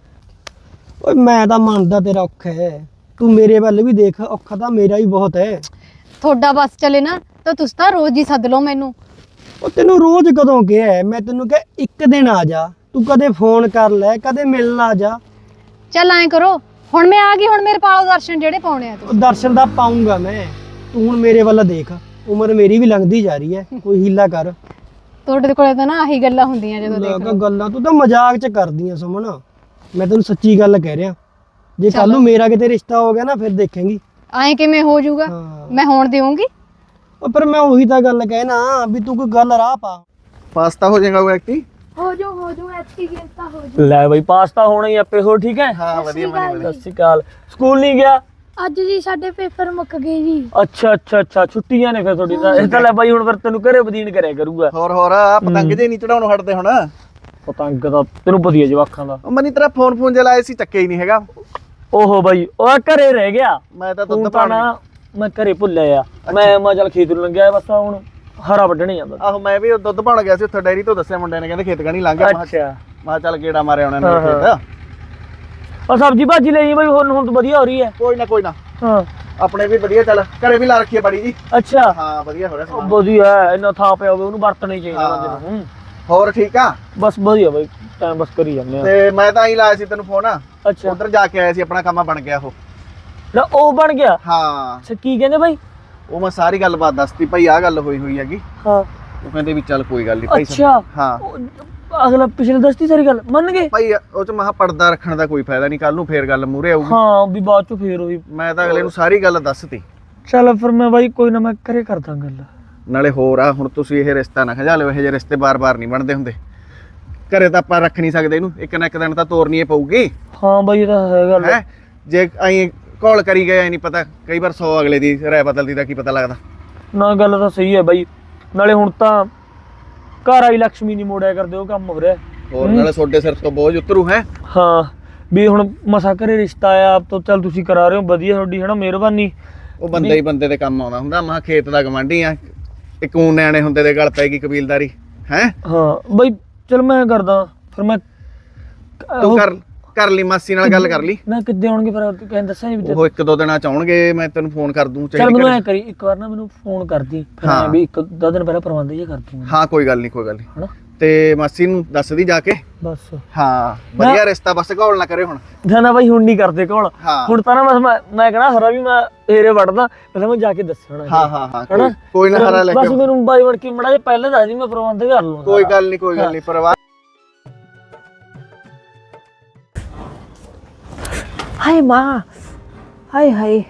ਓਏ ਮੈਂ ਤਾਂ ਮੰਨਦਾ ਤੇਰਾ ਔਖਾ ਹੈ, ਤੂੰ ਮੇਰੇ ਵੱਲ ਵੀ ਦੇਖ, ਔਖਾ ਤਾਂ ਮੇਰਾ ਵੀ ਬਹੁਤ ਹੈ। ਤੁਹਾਡਾ ਬਸ ਚੱਲੇ ਨਾ ਤਾਂ ਤੁਸੀਂ ਤਾਂ ਰੋਜ਼ ਹੀ ਸੱਦ ਲਓ ਮੈਨੂੰ। ਉਹ ਤੈਨੂੰ ਰੋਜ਼ ਕਦੋਂ ਕਿਹਾ? ਮੈਂ ਤੈਨੂੰ ਕਿਹਾ ਇੱਕ ਦਿਨ ਆ ਜਾ, ਤੂੰ ਕਦੇ ਫੋਨ ਕਰ ਲੈ, ਕਦੇ ਮਿਲਣ ਆ ਜਾ। ਚੱਲ ਐਂ ਕਰੋ, ਹੁਣ ਮੈਂ ਆ ਗਈ, ਹੁਣ ਮੇਰੇ ਪਾਲੋ ਦਰਸ਼ਨ ਜਿਹੜੇ ਪਾਉਣੇ ਆ ਉਹ ਤੁਸੀਂ। ਦਰਸ਼ਨ ਦਾ ਪਾਉਂਗਾ ਮੈਂ, ਤੂੰ ਹੁਣ ਮੇਰੇ ਵੱਲ ਦੇਖ, ਉਮਰ ਮੇਰੀ ਵੀ ਲੰਘਦੀ ਜਾ ਰਹੀ ਹੈ, ਕੋਈ ਹੀਲਾ ਕਰ। ਤੁਹਾਡੇ ਕੋਲੇ ਤਾਂ ਨਾ ਆਹੀ ਗੱਲਾਂ ਹੁੰਦੀਆਂ ਜਦੋਂ ਦੇਖ ਲੋਕਾਂ ਲਓ। ਗੱਲਾਂ ਤੂੰ ਤਾਂ ਮਜ਼ਾਕ ਚ ਕਰਦੀਆਂ ਸੁਮਨ, ਮੈਂ ਤੈਨੂੰ ਸੱਚੀ ਗੱਲ ਕਹਿ ਰਿਹਾ। ਜੇ ਕੱਲ ਨੂੰ ਮੇਰਾ ਕਿਤੇ ਰਿਸ਼ਤਾ ਹੋ ਗਿਆ ਨਾ ਫਿਰ ਦੇਖੇਂਗੀ। ਐਂ ਕਿਵੇਂ ਹੋ ਜਾਊਗਾ? ਹਾਂ। ਮੈਂ ਹੋਣ ਦੇਵਾਂਗੀ? ਉਹ ਪਰ ਮੈਂ ਉਹੀ ਤਾਂ ਗੱਲ ਕਹਿਣਾ ਵੀ ਤੂੰ ਕੋਈ ਗੱਲ ਰਾਹ ਪਾ। ਪਾਸਤਾ ਹੋ ਜਾਏਗਾ ਉਹ ਐਕਟੀ। ਹੋ ਜੋ ਹੋ ਜੋ ਐਕਸਪੀਰੀਅੰਸ ਤਾਂ ਹੋ ਜੋ। ਲੈ ਬਈ ਪਾਸਤਾ ਹੋਣਾ ਹੀ ਆਪੇ। ਹੋ ਠੀਕ ਹੈ? ਹਾਂ ਵਧੀਆ ਬਣੀ ਸਤਿ ਸ਼੍ਰੀ ਅਕਾਲ। ਸਕੂਲ ਨਹੀਂ ਗਿਆ ਅੱਜ ਜੀ ਸਾਡੇ ਪੇਪਰ ਮੁੱਕ ਗਏ ਜੀ। ਅੱਛਾ ਅੱਛਾ ਅੱਛਾ, ਛੁੱਟੀਆਂ ਨੇ ਫਿਰ ਤੁਹਾਡੀ ਤਾਂ। ਇਹ ਤਾਂ ਲੈ ਬਾਈ ਹੁਣ ਫਿਰ ਤੈਨੂੰ ਘਰੇ ਬਦੀਨ ਕਰਿਆ ਕਰੂਗਾ। ਹੋਰ ਹੋਰ ਆ ਪਤੰਗ ਜੇ ਨਹੀਂ ਚੜਾਉਣੋਂ ਹਟਦੇ ਹੁਣ। ਪਤੰਗ ਦਾ ਤੈਨੂੰ ਪਤਾ ਹੀ ਹੈ ਜਵਾਕਾਂ ਦਾ। ਉਹ ਮਨੀ ਤੇਰਾ ਫੋਨ ਫੋਨ ਜਿਹਾ ਲਾਇਆ ਸੀ, ਚੱਕਿਆ ਹੀ ਨਹੀਂ ਹੈਗਾ। ਓਹੋ ਬਾਈ ਉਹ ਘਰੇ ਰਹਿ ਗਿਆ। ਮੈਂ ਤਾਂ ਤੂੰ ਦੁੱਧ ਤਾਂ ਪਾਣ ਨਾ ਮੈਂ ਘਰੇ ਭੁੱਲਿਆ ਆ। ਮੈਂ ਮੈਂ ਚੱਲ ਖੇਤ ਨੂੰ ਲੰਘਿਆ ਬਸ, ਹੁਣ ਹਰਾ ਵੱਢਣੇ ਜਾਂਦਾ। ਆਹੋ ਮੈਂ ਵੀ ਉਹ ਦੁੱਧ ਪਾਣ ਗਿਆ ਸੀ ਉੱਥੇ ਡੈਰੀ ਤੋਂ, ਦੱਸਿਆ ਮੁੰਡੇ ਨੇ, ਕਹਿੰਦੇ ਖੇਤ ਕਣੀ ਲੰਘ ਗਿਆ। ਮੈਂ ਅੱਛਾ ਕਿਹਾ ਚੱਲ ਗੇੜਾ ਮਾਰਿਆ ਉਹਨਾਂ ਨੇ ਹਾਂ, ਹਾਂ। ਖੇਤ। ਉਹ ਸਬਜ਼ੀ ਭਾਜੀ ਲਈ ਬਾਈ, ਹੁਣ ਹੁਣ ਤਾਂ ਵਧੀਆ ਹੋ ਰਹੀ ਹੈ। ਕੋਈ ਨਾ ਕੋਈ ਨਾ, ਹਾਂ ਆਪਣੇ ਵੀ ਵਧੀਆ, ਚੱਲ ਘਰੇ ਵੀ ਲਾ ਰੱਖੀ ਹੈ ਬੜੀ ਜੀ। ਅੱਛਾ ਹਾਂ ਵਧੀਆ ਹੋ ਰਿਹਾ ਉਹ ਸਮਾਨ। ਵਧੀਆ ਹੈ, ਇੰਨਾ ਥਾਂ ਪਿਆ ਹੋਵੇ ਉਹਨੂੰ ਵਰਤਣਾ ਹੀ ਚਾਹੀਦਾ ਬੰਦੇ ਨੂੰ। ਹੋਰ ਠੀਕ ਆ? ਬਸ ਵਧੀਆ ਬਾਈ, ਟਾਈਮ ਬਸ ਕਰੀ ਜਾਂਦੇ ਆ। ਤੇ ਮੈਂ ਤਾਂ ਹੀ ਲਾਇਆ ਸੀ ਤੈਨੂੰ ਫੋਨ, ਅੱਛਾ ਉਧਰ ਜਾ ਕੇ ਆਇਆ ਸੀ, ਆਪਣਾ ਕੰਮ ਬਣ ਗਿਆ ਉਹ। ਨਾ ਉਹ ਬਣ ਗਿਆ? ਹਾਂ ਅੱਛਾ ਕੀ ਕਹਿੰਦੇ ਬਾਈ? ਉਹ ਮੈਂ ਸਾਰੀ ਗੱਲਬਾਤ ਦੱਸਤੀ ਭਾਈ, ਆਹ ਗੱਲ ਹੋਈ ਹੋਈ ਹੈਗੀ। ਹਾਂ ਉਹ ਕਹਿੰਦੇ ਵੀ ਚੱਲ ਕੋਈ ਗੱਲ ਨਹੀਂ ਭਾਈ। ਅੱਛਾ ਹਾਂ ਉਹ ਅਗਲਾ ਪਿਛਲੇ ਦੱਸਤੀ ਸਾਰੀ ਗੱਲ ਮੰਨ ਗਏ? ਭਾਈ ਉਹ ਚ ਮਹਾ ਪਰਦਾ ਰੱਖਣ ਦਾ ਕੋਈ ਫਾਇਦਾ ਨਹੀਂ, ਕੱਲ ਨੂੰ ਫੇਰ ਗੱਲ ਮੂਰੇ ਆਊਗੀ। ਹਾਂ ਵੀ ਬਾਅਦ ਚ ਫੇਰ ਉਹੀ। ਮੈਂ ਤਾਂ ਅਗਲੇ ਨੂੰ ਸਾਰੀ ਗੱਲ ਦੱਸਤੀ। ਚੱਲ ਫਿਰ ਮੈਂ ਬਾਈ ਕੋਈ ਨਾ, ਮੈਂ ਘਰੇ ਕਰਦਾ ਗੱਲ। ਨਾਲੇ ਹੋਰ ਆ, ਹੁਣ ਤੁਸੀਂ ਇਹ ਰਿਸ਼ਤਾ ਨਾ ਖਜਾ ਲਿਓ, ਇਹ ਜਿਹੇ ਰਿਸ਼ਤੇ ਬਾਰ-ਬਾਰ ਨਹੀਂ ਬਣਦੇ ਹੁੰਦੇ। ਘਰੇ ਤਾਂ ਆਪਾਂ ਰੱਖ ਨਹੀਂ ਸਕਦੇ ਇਹਨੂੰ, ਇੱਕ ਨਾ ਇੱਕ ਦਿਨ ਤਾਂ ਤੋਰਨੀ ਹੀ ਪਊਗੀ। ਹਾਂ ਬਾਈ ਇਹ ਤਾਂ ਹੈ ਗੱਲ। ਹੈ ਜੇ ਐਂ ਘੋਲ ਕਰੀ ਗਏ ਨਹੀਂ ਪਤਾ, ਕਈ ਵਾਰ ਸੌ ਅਗਲੇ ਦੀ ਰਾਏ ਬਦਲਦੀ ਦਾ ਕੀ ਪਤਾ ਲੱਗਦਾ। ਨਾ ਗੱਲ ਤਾਂ ਸਹੀ ਹੈ ਬਾਈ, ਨਾਲੇ ਹੁਣ ਤਾਂ ਘਰ ਆਈ ਲక్ష్ਮੀ ਨਹੀਂ ਮੋੜਿਆ ਕਰਦੇ, ਉਹ ਕੰਮ ਹੋ ਰਿਹਾ। ਹੋਰ ਨਾਲੇ ਤੁਹਾਡੇ ਸਿਰ ਤੋਂ ਬੋਝ ਉਤਰੂ ਹੈ। ਹਾਂ ਵੀ ਹੁਣ ਮਸਾ ਘਰੇ ਰਿਸ਼ਤਾ ਆਇਆ ਆਪ ਤੋਂ, ਚੱਲ ਤੁਸੀਂ ਕਰਾ ਰਹੇ ਹੋ, ਵਧੀਆ ਤੁਹਾਡੀ ਹਨਾ ਮਿਹਰਬਾਨੀ। ਉਹ ਬੰਦੇ ਹੀ ਬੰਦੇ ਦੇ ਕੰਮ ਆਉਂਦਾ ਹੁੰਦਾ। ਮਹਾ ਖੇਤ ਦਾ ਗਵਾਂਢੀ ਆ, ਇੱਕ ਊਂ ਨਿਆਣੇ ਹੁੰਦੇ ਦੇ ਗਲ ਪੈਗੀ ਕਬੀਲਦਾਰੀ ਹੈ। ਹਾਂ ਬਾਈ ਚਲ ਮੈਂ ਕਰਦਾ ਫਿਰ। ਮੈਂ ਤੂੰ ਕਰ ਕਰ ਲਈ, ਮਾਸੀ ਨਾਲ ਗੱਲ ਕਰ ਲਈ। ਨਾ ਕਿੱਦੇ ਆਉਣਗੇ ਫਿਰ, ਕਹਿੰਦੇ ਦੱਸਾਂ ਜੀ। ਉਹ ਇੱਕ ਦੋ ਦਿਨਾਂ ਚ ਆਉਣਗੇ, ਮੈਂ ਤੈਨੂੰ ਫੋਨ ਕਰ ਦੂੰ। ਚੱਲ ਮੈਨੂੰ ਐ ਕਰੀ ਇੱਕ ਵਾਰ ਨਾ ਮੈਨੂੰ ਫੋਨ ਕਰਦੀ, ਫਿਰ ਹਾਂ। ਮੈਂ ਵੀ ਇੱਕ ਦੋ ਦਿਨ ਪਹਿਲਾਂ ਪ੍ਰਬੰਧ ਜੇ ਕਰ ਦੂੰਗਾ। ਹਾਂ ਕੋਈ ਗੱਲ ਨਹੀਂ ਕੋਈ ਗੱਲ ਨਹੀਂ। ਹਨਾ ਤੇ ਮਾਸੀ ਨੂੰ ਦੱਸਦੀ ਜਾ ਕੇ। ਬਸ ਹਾਂ ਵਧੀਆ ਰਿਸ਼ਤਾ, ਬਸ ਘੋਲ ਨਾ ਕਰੇ ਹੁਣ। ਨਾ ਨਾ ਬਾਈ ਹੁਣ ਨਹੀਂ ਕਰਦੇ ਕੋਲ। ਹਾਂ ਹੁਣ ਤਾਂ ਨਾ ਬਸ ਮੈਂ ਮੈਂ ਕਹਣਾ ਹਰਾ ਵੀ ਮੈਂ ਏਰੇ ਵੜਦਾ, ਪਹਿਲਾਂ ਮੈਂ ਜਾ ਕੇ ਦੱਸਣਾ। ਹਾਂ ਹਾਂ ਹਾਂ ਹਨਾ? ਕੋਈ- ਕੋਈ ਨਾ ਹਰਾ ਲੈ ਬਸ ਕੇ। ਮੈਨੂੰ ਬਾਈ ਵੜ ਕੇ ਮੜਾ ਜੇ ਪਹਿਲਾਂ ਦੱਸ ਦੀ, ਮੈਂ ਪ੍ਰਬੰਧ ਕਰ ਲੂੰਗਾ। ਕੋਈ ਗੱਲ ਨਹੀਂ ਕੋਈ ਗੱਲ ਨਹੀਂ, ਪਰਵਾਹ। ਹਾਏ ਮਾਂ, ਹਾਏ ਹਾਏ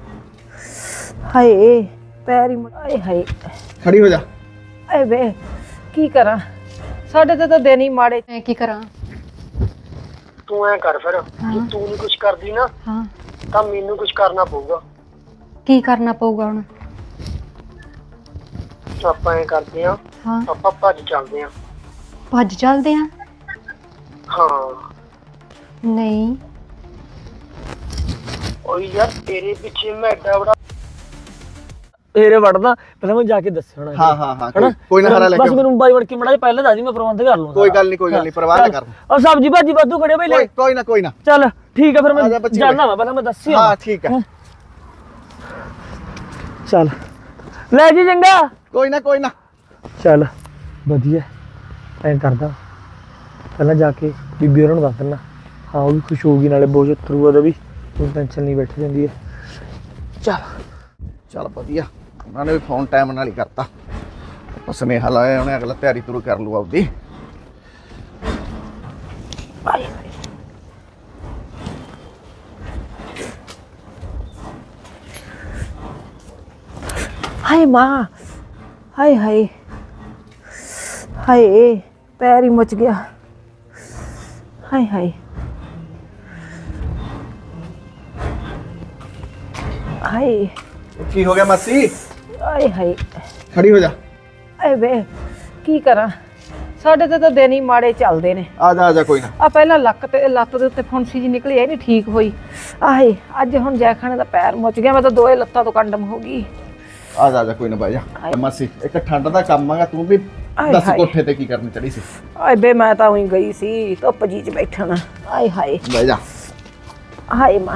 ਹਾਏ ਪੈਰੀ ਮ- ਹਾਏ ਹਾਏ ਖੜੀ ਹੋ ਜਾ। ਆਏ ਵੇ ਕੀ ਕਰਾਂ, ਸਾਡੇ ਤੇ ਤਾਂ ਦਿਨ ਹੀ ਮਾੜੇ। ਮੈਂ ਕੀ ਕਰਾਂ? ਤੂੰ ਐ ਕਰ ਫਿਰ, ਜੇ ਤੂੰ ਨਹੀਂ ਕੁਝ ਕਰਦੀ ਨਾ ਹਾਂ ਤਾਂ ਮੈਨੂੰ ਕੁਝ ਕਰਨਾ ਪਊਗਾ। ਕੀ ਕਰਨਾ ਪਊਗਾ ਹੁਣ? ਆਪਾਂ ਐ ਕਰਦੇ ਆ, ਹਾਂ ਆਪਾਂ ਭੱਜ ਚੱਲਦੇ ਆ। ਭੱਜ ਚੱਲਦੇ ਆ? ਹਾਂ ਨਹੀਂ ਓਏ ਯਾਰ ਤੇਰੇ ਪਿੱਛੇ ਮੈਂ ਐਡਾ ਬੜਾ ਏਰੇ ਵੜਦਾ, ਪਹਿਲਾਂ ਮੈਂ ਜਾ ਕੇ ਦੱਸਣਾ। ਹਾਂ ਹਾਂ ਹਾਂ ਕੋਈ- ਕੋਈ ਨਾ ਹਰਾ ਲੈ ਬਸ ਕੇ। ਮੈਨੂੰ ਬਾਈ ਵੜ ਕੇ ਮੜਾ ਜੇ ਪਹਿਲਾਂ ਦੱਸ ਦੀ, ਮੈਂ ਪ੍ਰਬੰਧ ਕਰ ਲੂੰਗਾ। ਕੋਈ ਗੱਲ ਨਹੀਂ ਕੋਈ ਗੱਲ ਨਹੀਂ, ਪਰਵਾਹ ਨਾ ਕਰ। ਔਰ ਸਬਜੀ ਭਾਜੀ ਵਾਧੂ ਖੜੇ ਬਈ ਲੈ। ਕੋਈ ਕੋਈ ਨਾ ਕੋਈ ਨਾ। ਚੱਲ ਠੀਕ ਹੈ ਫਿਰ ਆ ਜਾ ਮੈਂ ਬੱਚੀ ਜਾਣਾ ਵਾ, ਪਹਿਲਾਂ ਮੈਂ ਦੱਸੀ ਹਾਂ ਠੀਕ ਹੈ। ਚੱਲ ਲੈ ਜੀ ਚੰਗਾ। ਕੋਈ ਨਾ ਕੋਈ ਨਾ। ਚੱਲ ਵਧੀਆ ਐਂ ਕਰਦਾ ਪਹਿਲਾਂ ਜਾ ਕੇ ਬੀਬੀ ਹੋਰਾਂ ਨੂੰ ਦੱਸ ਦਿੰਦਾ। ਹਾਂ ਉਹ ਵੀ ਖੁਸ਼ ਹੋਊਗੀ ਨਾਲੇ ਬੋਝ ਉਤਰੂਗਾ ਉਹਦਾ ਵੀ, ਕੋਈ ਟੈਨਸ਼ਨ ਨਹੀਂ ਬੈਠੀ ਜਾਂਦੀ ਹੈ। ਚੱਲ ਚੱਲ ਵਧੀਆ, ਉਹਨਾਂ ਨੇ ਵੀ ਫੋਨ ਟਾਈਮ ਨਾਲ ਹੀ ਕਰਤਾ। ਉਹ ਸੁਨੇਹਾ ਲਾਇਆ ਉਹਨੇ, ਅਗਲਾ ਤਿਆਰੀ ਤੁਰ ਕਰ ਲੂ ਆਪਦੀ। ਹਾਏ ਮਾਂ, ਹਾਏ ਹਾਏ ਹਾਏ, ਪੈਰ ਹੀ ਮੁੱਚ ਗਿਆ। ਹਾਏ ਹਾਏ ਹਾਏ ਕੀ ਹੋ ਗਿਆ ਮਾਸੀ? ਹਾਏ ਹਾਏ ਖੜੀ ਹੋ ਜਾ। ਏ ਵੇ ਕੀ ਕਰਾਂ, ਸਾਡੇ ਤੇ ਤਾਂ ਦਿਨ ਹੀ ਮਾੜੇ ਚੱਲਦੇ ਨੇ। ਆ ਜਾ ਆ ਜਾ ਕੋਈ ਨਾ। ਆ ਪਹਿਲਾਂ ਲੱਕ ਤੇ ਲੱਤ ਦੇ ਉੱਤੇ ਫੁੰਸੀ ਜੀ ਨਿਕਲੀ, ਇਹ ਨਹੀਂ ਠੀਕ ਹੋਈ। ਆਹੇ ਅੱਜ ਹੁਣ ਜੈਖਾਨੇ ਦਾ ਪੈਰ ਮੁੱਚ ਗਿਆ, ਮੈਂ ਤਾਂ ਦੋਏ ਲੱਤਾਂ ਤੋਂ ਕੰਡਮ ਹੋ ਗਈ। ਆ ਜਾ ਆ ਜਾ ਕੋਈ ਨਾ ਬਾਈ ਜਾ। ਮਾਸੀ ਇੱਕ ਠੰਡ ਦਾ ਕੰਮ ਆਗਾ, ਤੂੰ ਵੀ ਆਏ ਦੱਸ ਹਾਏ। ਕੋਠੇ ਤੇ ਕੀ ਕਰਨ ਚੜੀ ਸੀ? ਆਏ ਬੇ ਮੈਂ ਤਾਂ ਉਹੀ ਗਈ ਸੀ ਧੁੱਪ ਜੀ ਚ ਬੈਠਣਾ। ਆਏ ਹਾਏ ਬਹਿ ਜਾ। ਹਾਏ ਮਾਂ,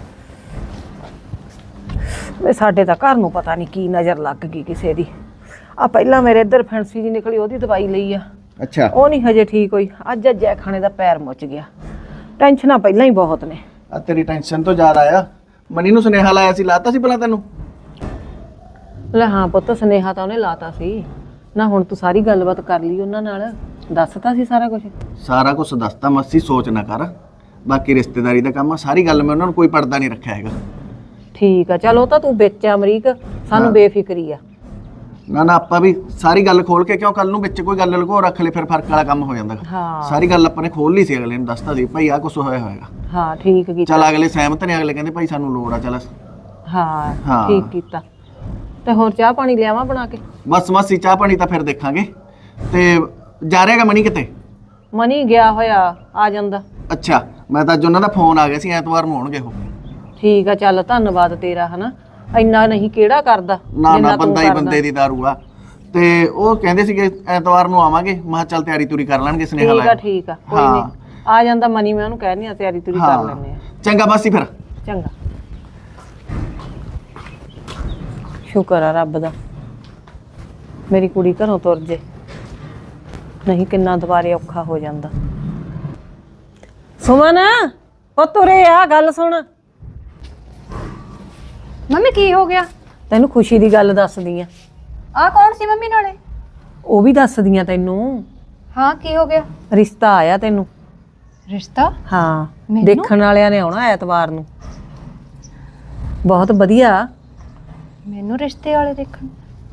ਵੇ ਸਾਡੇ ਤਾਂ ਘਰ ਨੂੰ ਪਤਾ ਨਹੀਂ ਕੀ ਨਜ਼ਰ ਲੱਗ ਗਈ ਕਿਸੇ ਦੀ। ਆ ਪਹਿਲਾਂ ਮੇਰੇ ਇੱਧਰ ਫੈਂਸੀ ਜੀ ਨਿਕਲੀ, ਉਹਦੀ ਦਵਾਈ ਲਈ ਆ, ਅੱਛਾ ਉਹ ਨਹੀਂ ਹਜੇ ਠੀਕ ਹੋਈ। ਅੱਜ ਅੱਜ ਜੈਖਾਨੇ ਦਾ ਪੈਰ ਮੁੱਚ ਗਿਆ। ਟੈਨਸ਼ਨਾਂ ਪਹਿਲਾਂ ਹੀ ਬਹੁਤ ਨੇ। ਆ ਤੇਰੀ ਟੈਨਸ਼ਨ ਤੋਂ ਜ਼ਿਆਦਾ ਆਇਆ। ਮਨੀ ਨੂੰ ਸੁਨੇਹਾ ਲਾਇਆ ਸੀ, ਲਾਤਾ ਸੀ ਭਲਾ ਤੈਨੂੰ? ਲੈ ਹਾਂ ਪੁੱਤ, ਸੁਨੇਹਾ ਤਾਂ ਉਹਨੇ ਲਾਤਾ ਸੀ ਨਾ। ਹੁਣ ਤੂੰ ਸਾਰੀ ਗੱਲਬਾਤ ਕਰ ਲਈ ਉਹਨਾਂ ਨਾਲ, ਦੱਸਤਾ ਸੀ ਸਾਰਾ ਕੁਝ? ਸਾਰਾ ਕੁਝ ਦੱਸਤਾ ਮਾਸੀ, ਸੋਚ ਨਾ ਕਰ। ਬਾਕੀ ਰਿਸ਼ਤੇਦਾਰੀ ਦਾ ਕੰਮ ਆ, ਸਾਰੀ ਗੱਲ ਮੈਂ ਉਹਨਾਂ ਨੂੰ ਕੋਈ ਪਰਦਾ ਨਹੀਂ ਰੱਖਿਆ ਹੈਗਾ। ਠੀਕ ਆ, ਚਲ ਉਹ ਤਾਂ ਤੂੰ ਵਿੱਚ ਆ ਅਮਰੀਕ, ਸਾਨੂੰ ਬੇਫਿਕਰੀ ਆ। ਨਾ ਨਾ ਆਪਾਂ ਵੀ ਸਾਰੀ ਗੱਲ ਖੋਲ ਕੇ, ਕਿਉਂ ਕੱਲ ਨੂੰ ਵਿੱਚ ਕੋਈ ਗੱਲ ਲੁਕੋ ਰੱਖ ਲੈ ਫਿਰ ਫਰਕ ਵਾਲਾ ਕੰਮ ਹੋ ਜਾਂਦਾ। ਹਾਂ ਸਾਰੀ ਗੱਲ ਆਪਾਂ ਨੇ ਖੋਲ ਲਈ ਸੀ, ਅਗਲੇ ਨੂੰ ਦੱਸਤਾ ਸੀ ਭਾਈ ਆਹ ਕੁਝ ਹੋਇਆ ਹੋਏਗਾ। ਹਾਂ ਠੀਕ ਕੀਤਾ। ਚੱਲ ਅਗਲੇ ਸਹਿਮਤ ਨੇ, ਅਗਲੇ ਕਹਿੰਦੇ ਭਾਈ ਸਾਨੂੰ ਲੋੜ ਆ। ਚੱਲ ਹਾਂ ਹਾਂ। ਠੀਕ ਕੀਤਾ। ਤੇ ਹੋਰ ਚਾਹ ਪਾਣੀ ਲਿਆਵਾਂ ਬਣਾ ਕੇ? ਬਸ ਮਾਸੀ ਚਾਹ ਪਾਣੀ ਤਾਂ ਫਿਰ ਦੇਖਾਂਗੇ। ਤੇ ਜਾ ਰਿਹਾਗਾ ਮਨੀ ਕਿਤੇ? ਮਨੀ ਗਿਆ ਹੋਇਆ, ਆ ਜਾਂਦਾ। ਅੱਛਾ, ਮੈਂ ਤਾਂ ਅੱਜ ਉਹਨਾਂ ਦਾ ਫੋਨ ਆ ਗਿਆ ਸੀ, ਐਤਵਾਰ ਨੂੰ ਆਉਣਗੇ ਉਹ। ਠੀਕ ਆ, ਚੱਲ ਧੰਨਵਾਦ ਤੇਰਾ, ਹਨਾ ਇੰਨਾ ਨਹੀਂ ਕਿਹੜਾ ਕਰਦਾ ਨਾ ਜਿੰਨਾ ਨਾ ਤੂੰ ਬੰਦਾ ਹੀ ਕਰਦਾ। ਬੰਦੇ ਦੀ ਦਾਰੂ ਆ। ਤੇ ਉਹ ਕਹਿੰਦੇ ਸੀਗੇ ਐਤਵਾਰ ਨੂੰ ਆਵਾਂਗੇ। ਮੈਂ ਕਿਹਾ ਚੱਲ ਤਿਆਰੀ ਤੁਰੀ ਕਰ ਲੈਣਗੇ, ਸੁਨੇਹਾ ਠੀਕ ਆ ਲਾਇਆ। ਠੀਕ ਆ, ਕੋਈ ਹਾਂ। ਨਹੀਂ ਆ ਜਾਂਦਾ ਮਨੀ, ਮੈਂ ਉਹਨੂੰ ਕਹਿਨੀ ਆ ਤਿਆਰੀ ਤੁਰੀ ਕਰ ਹਾਂ ਲੈਂਦੇ ਆ। ਚੰਗਾ ਮਾਸੀ ਫਿਰ। ਚੰਗਾ, ਸ਼ੁਕਰ ਆ ਰੱਬ ਦਾ ਮੇਰੀ ਕੁੜੀ ਘਰੋਂ ਤੁਰ ਜੇ, ਨਹੀਂ ਕਿੰਨਾ ਦੁਬਾਰੇ ਔਖਾ ਹੋ ਜਾਂਦਾ। ਸੁਮਨ ਉਹ ਤੁਰੇ ਆ, ਗੱਲ ਸੁਣ। ਮੰਮੀ ਕੀ ਹੋ ਗਿਆ? ਤੈਨੂੰ ਖੁਸ਼ੀ ਦੀ ਗੱਲ ਦੱਸਦੀ ਆ। ਆ ਕੌਣ ਸੀ ਮੰਮੀ ਨਾਲੇ? ਉਹ ਵੀ ਦੱਸਦੀ ਆ ਤੈਨੂੰ। ਹਾਂ ਕੀ ਹੋ ਗਿਆ? ਰਿਸ਼ਤਾ ਆਇਆ ਤੈਨੂੰ। ਰਿਸ਼ਤਾ? ਹਾਂ, ਮੈਨੂੰ? ਦੇਖਣ ਵਾਲਿਆਂ ਨੇ ਆਉਣਾ ਐਤਵਾਰ ਨੂੰ। ਬਹੁਤ ਵਧੀਆ। ਮੈਨੂੰ ਰਿਸ਼ਤੇ ਵਾਲੇ ਦੇਖਣ?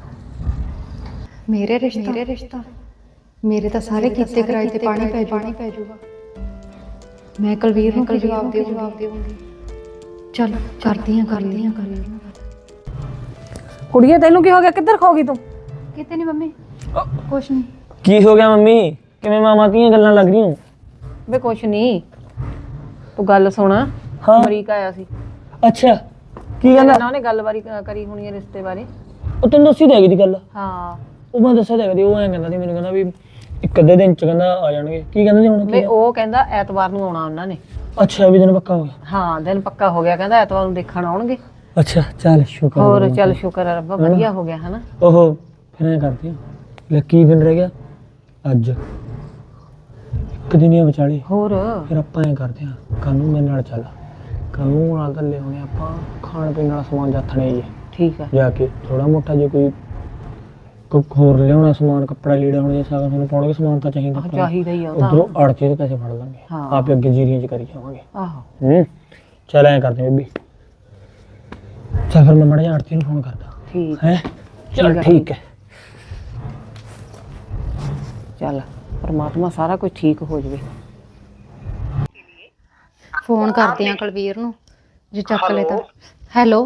ਮੇਰੇ ਰਿਸ਼ਤਾ? ਮੇਰੇ ਰਿਸ਼ਤਾ ਮੇਰੇ ਤਾਂ ਸਾਰੇ ਕੀਤੇ ਕਰਾਏ ਤੇ ਪਾਣੀ ਪੈ ਪਾਣੀ ਪੈ ਜਾਊਗਾ। ਮੈਂ ਕੁਲਵੀਰ ਨੂੰ ਕੀ ਜਵਾਬ ਦੇਵਾਂਗੀ? ਚੱਲ ਕਰਦੀ ਆ ਕਰਦੀ ਆ ਕਰਦੀ ਕੁੜੀਏ ਤੈਨੂੰ ਕੀ ਹੋ ਗਿਆ, ਕਿੱਧਰ ਖੋ ਗਈ ਤੂੰ? ਕਿਤੇ ਨਹੀਂ ਮੰਮੀ, ਕੁਛ ਨਹੀਂ। ਕੀ ਹੋ ਗਿਆ ਮੰਮੀ, ਕਿਵੇਂ ਮਾਮਾ ਦੀਆਂ ਗੱਲਾਂ ਲੱਗ ਰਹੀਆਂ? ਵੇ ਕੁਛ ਨਹੀਂ, ਤੂੰ ਗੱਲ ਸੁਣ। ਹਾਂ। ਅਮਰੀਕਾ ਆਇਆ ਸੀ। ਅੱਛਾ ਕੀ ਕਹਿੰਦਾ? ਨਾ ਉਹਨੇ ਗੱਲਬਾਰੀ ਕਰੀ ਹੋਣੀ ਹੈ ਰਿਸ਼ਤੇ ਬਾਰੇ। ਉਹ ਤੈਨੂੰ ਦੱਸੀ ਤਾਂ ਹੈਗੀ ਦੀ ਗੱਲ। ਹਾਂ ਉਹ ਮੈਂ ਦੱਸਿਆ ਤਾਂ ਹੈਗਾ ਦੀ, ਉਹ ਐਂ ਕਹਿੰਦਾ ਸੀ ਮੈਨੂੰ, ਕਹਿੰਦਾ ਵੀ ਇੱਕ ਅੱਧੇ ਦਿਨ ਚ ਕਹਿੰਦਾ ਆ ਜਾਣਗੇ। ਕੀ ਕਹਿੰਦੇ ਸੀ ਹੁਣ? ਵੇ ਉਹ ਕਹਿੰਦਾ ਐਤਵਾਰ ਨੂੰ ਆਉਣਾ ਉਹਨਾਂ ਨੇ। ਅੱਛਾ ਵੀ ਦਿਨ ਪੱਕਾ ਹੋ ਗਿਆ? ਹਾਂ ਦਿਨ ਪੱਕਾ ਹੋ ਗਿਆ, ਕਹਿੰਦਾ ਐਤਵਾਰ ਨੂੰ ਦੇਖਣ ਆਉਣਗੇ। ਅੱਛਾ ਚੱਲ ਸ਼ੁਕਰ। ਹੋਰ ਚੱਲ ਸ਼ੁਕਰ ਹੈ ਰੱਬਾ, ਵਧੀਆ ਹੋ ਗਿਆ ਹਨਾ। ਉਹ ਫਿਰ ਐਂ ਕਰਦੇ ਆ, ਲੈ ਕੀ ਦਿਨ ਰਹਿ ਗਿਆ? ਅੱਜ ਇੱਕ ਦਿਨ ਹੀ ਵਿਚਾਲੇ। ਹੋਰ ਫਿਰ ਆਪਾਂ ਐਂ ਕਰਦੇ ਆ, ਕੱਲ ਨੂੰ ਮੇਰੇ ਨਾਲ ਚੱਲ। ਕੱਲ ਨੂੰ ਨਾਲ ਤਾਂ ਲਿਆਉਣੇ ਆਪਾਂ ਖਾਣ ਪੀਣ ਵਾਲਾ ਸਮਾਨ ਜਾਥਣੇ ਹੀ ਹੈ। ਠੀਕ ਆ। ਜਾ ਕੇ ਥੋੜਾ ਮੋਟਾ ਜੇ ਕੋਈ ਕੋਈ ਹੋਰ ਲਿਆਉਣਾ ਸਮਾਨ, ਕੱਪੜਾ ਲੀੜਾ, ਹੁਣ ਜੇ ਸਾਗਾ ਤੁਹਾਨੂੰ ਪਾਉਣਗੇ ਸਮਾਨ ਤਾਂ ਚਾਹੀਦਾ। ਆਹ ਚਾਹੀਦਾ ਹੀ ਆ ਉਹ ਤਾਂ। ਉਧਰੋਂ ਅੜਚੇ ਦੇ ਪੈਸੇ ਫੜ ਲਾਂਗੇ, ਹਾਂ। ਆਪੇ ਅੱਗੇ ਜੀਰੀਆਂ ਚ ਕਰੀ ਜਾਵਾਂਗੇ। ਆਹੋ ਹੂੰ ਚੱਲ ਐਂ ਕਰਦੇ ਬੀਬੀ। ਚੱਲ ਫਿਰ ਮੈਂ ਮੜਾ ਜਾ ਆੜਤੀ ਨੂੰ ਫੋਨ ਕਰਦਾ। ਠੀਕ ਹੈ ਚੱਲ ਠੀਕ ਹੈ। ਚੱਲ ਪਰਮਾਤਮਾ ਸਾਰਾ ਕੁਝ ਠੀਕ ਹੋ ਜਾਵੇ। ਫੋਨ ਕਰਦੇ ਆ ਕੁਲਵੀਰ ਨੂੰ, ਜੇ ਚੱਕ ਲੈ ਤਾਂ। ਹੈਲੋ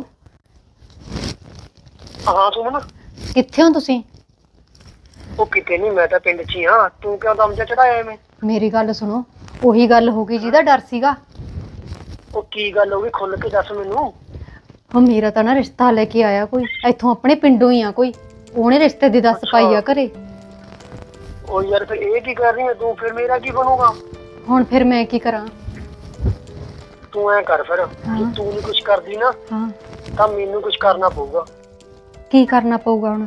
ਹਾਂ ਸੁਮਨ, ਕਿੱਥੇ ਹੋ ਤੁਸੀਂ? ਉਹ ਕਿਤੇ ਨਹੀਂ, ਮੈਂ ਤਾਂ ਪਿੰਡ 'ਚ ਹੀ ਹਾਂ। ਤੂੰ ਕਿਉਂ ਦਮ ਜਿਹਾ ਚੜਾਇਆ ਐਵੇਂ? ਮੇਰੀ ਗੱਲ ਸੁਣੋ, ਉਹੀ ਗੱਲ ਹੋ ਗਈ ਜਿਹਦਾ ਡਰ ਸੀਗਾ। ਉਹ ਕੀ ਗੱਲ ਹੋ ਗਈ, ਖੁੱਲ ਕੇ ਦੱਸ ਮੈਨੂੰ। ਉਹ ਮੇਰਾ ਤਾਂ ਨਾ ਰਿਸ਼ਤਾ ਲੈ ਕੇ ਆਇਆ ਕੋਈ, ਇੱਥੋਂ ਆਪਣੇ ਪਿੰਡੋਂ ਹੀ ਆ ਕੋਈ। ਉਹਨੇ ਰਿਸ਼ਤੇ ਦੀ ਦੱਸ ਪਾਈ ਆ ਘਰੇ। ਉਹ ਯਾਰ ਫਿਰ ਇਹ ਕੀ ਕਰ ਰਹੀ ਹੈ ਤੂੰ? ਫਿਰ ਮੇਰਾ ਕੀ ਬਣੂਗਾ? ਹੁਣ ਫਿਰ ਮੈਂ ਕੀ ਕਰਾਂ? ਤੂੰ ਐ ਕਰ ਫਿਰ, ਜੇ ਤੂੰ ਨਹੀਂ ਕੁਝ ਕਰਦੀ ਨਾ ਹਾਂ ਤਾਂ ਮੈਨੂੰ ਕੁਝ ਕਰਨਾ ਪਊਗਾ। ਕੀ ਕਰਨਾ ਪਊਗਾ ਹੁਣ?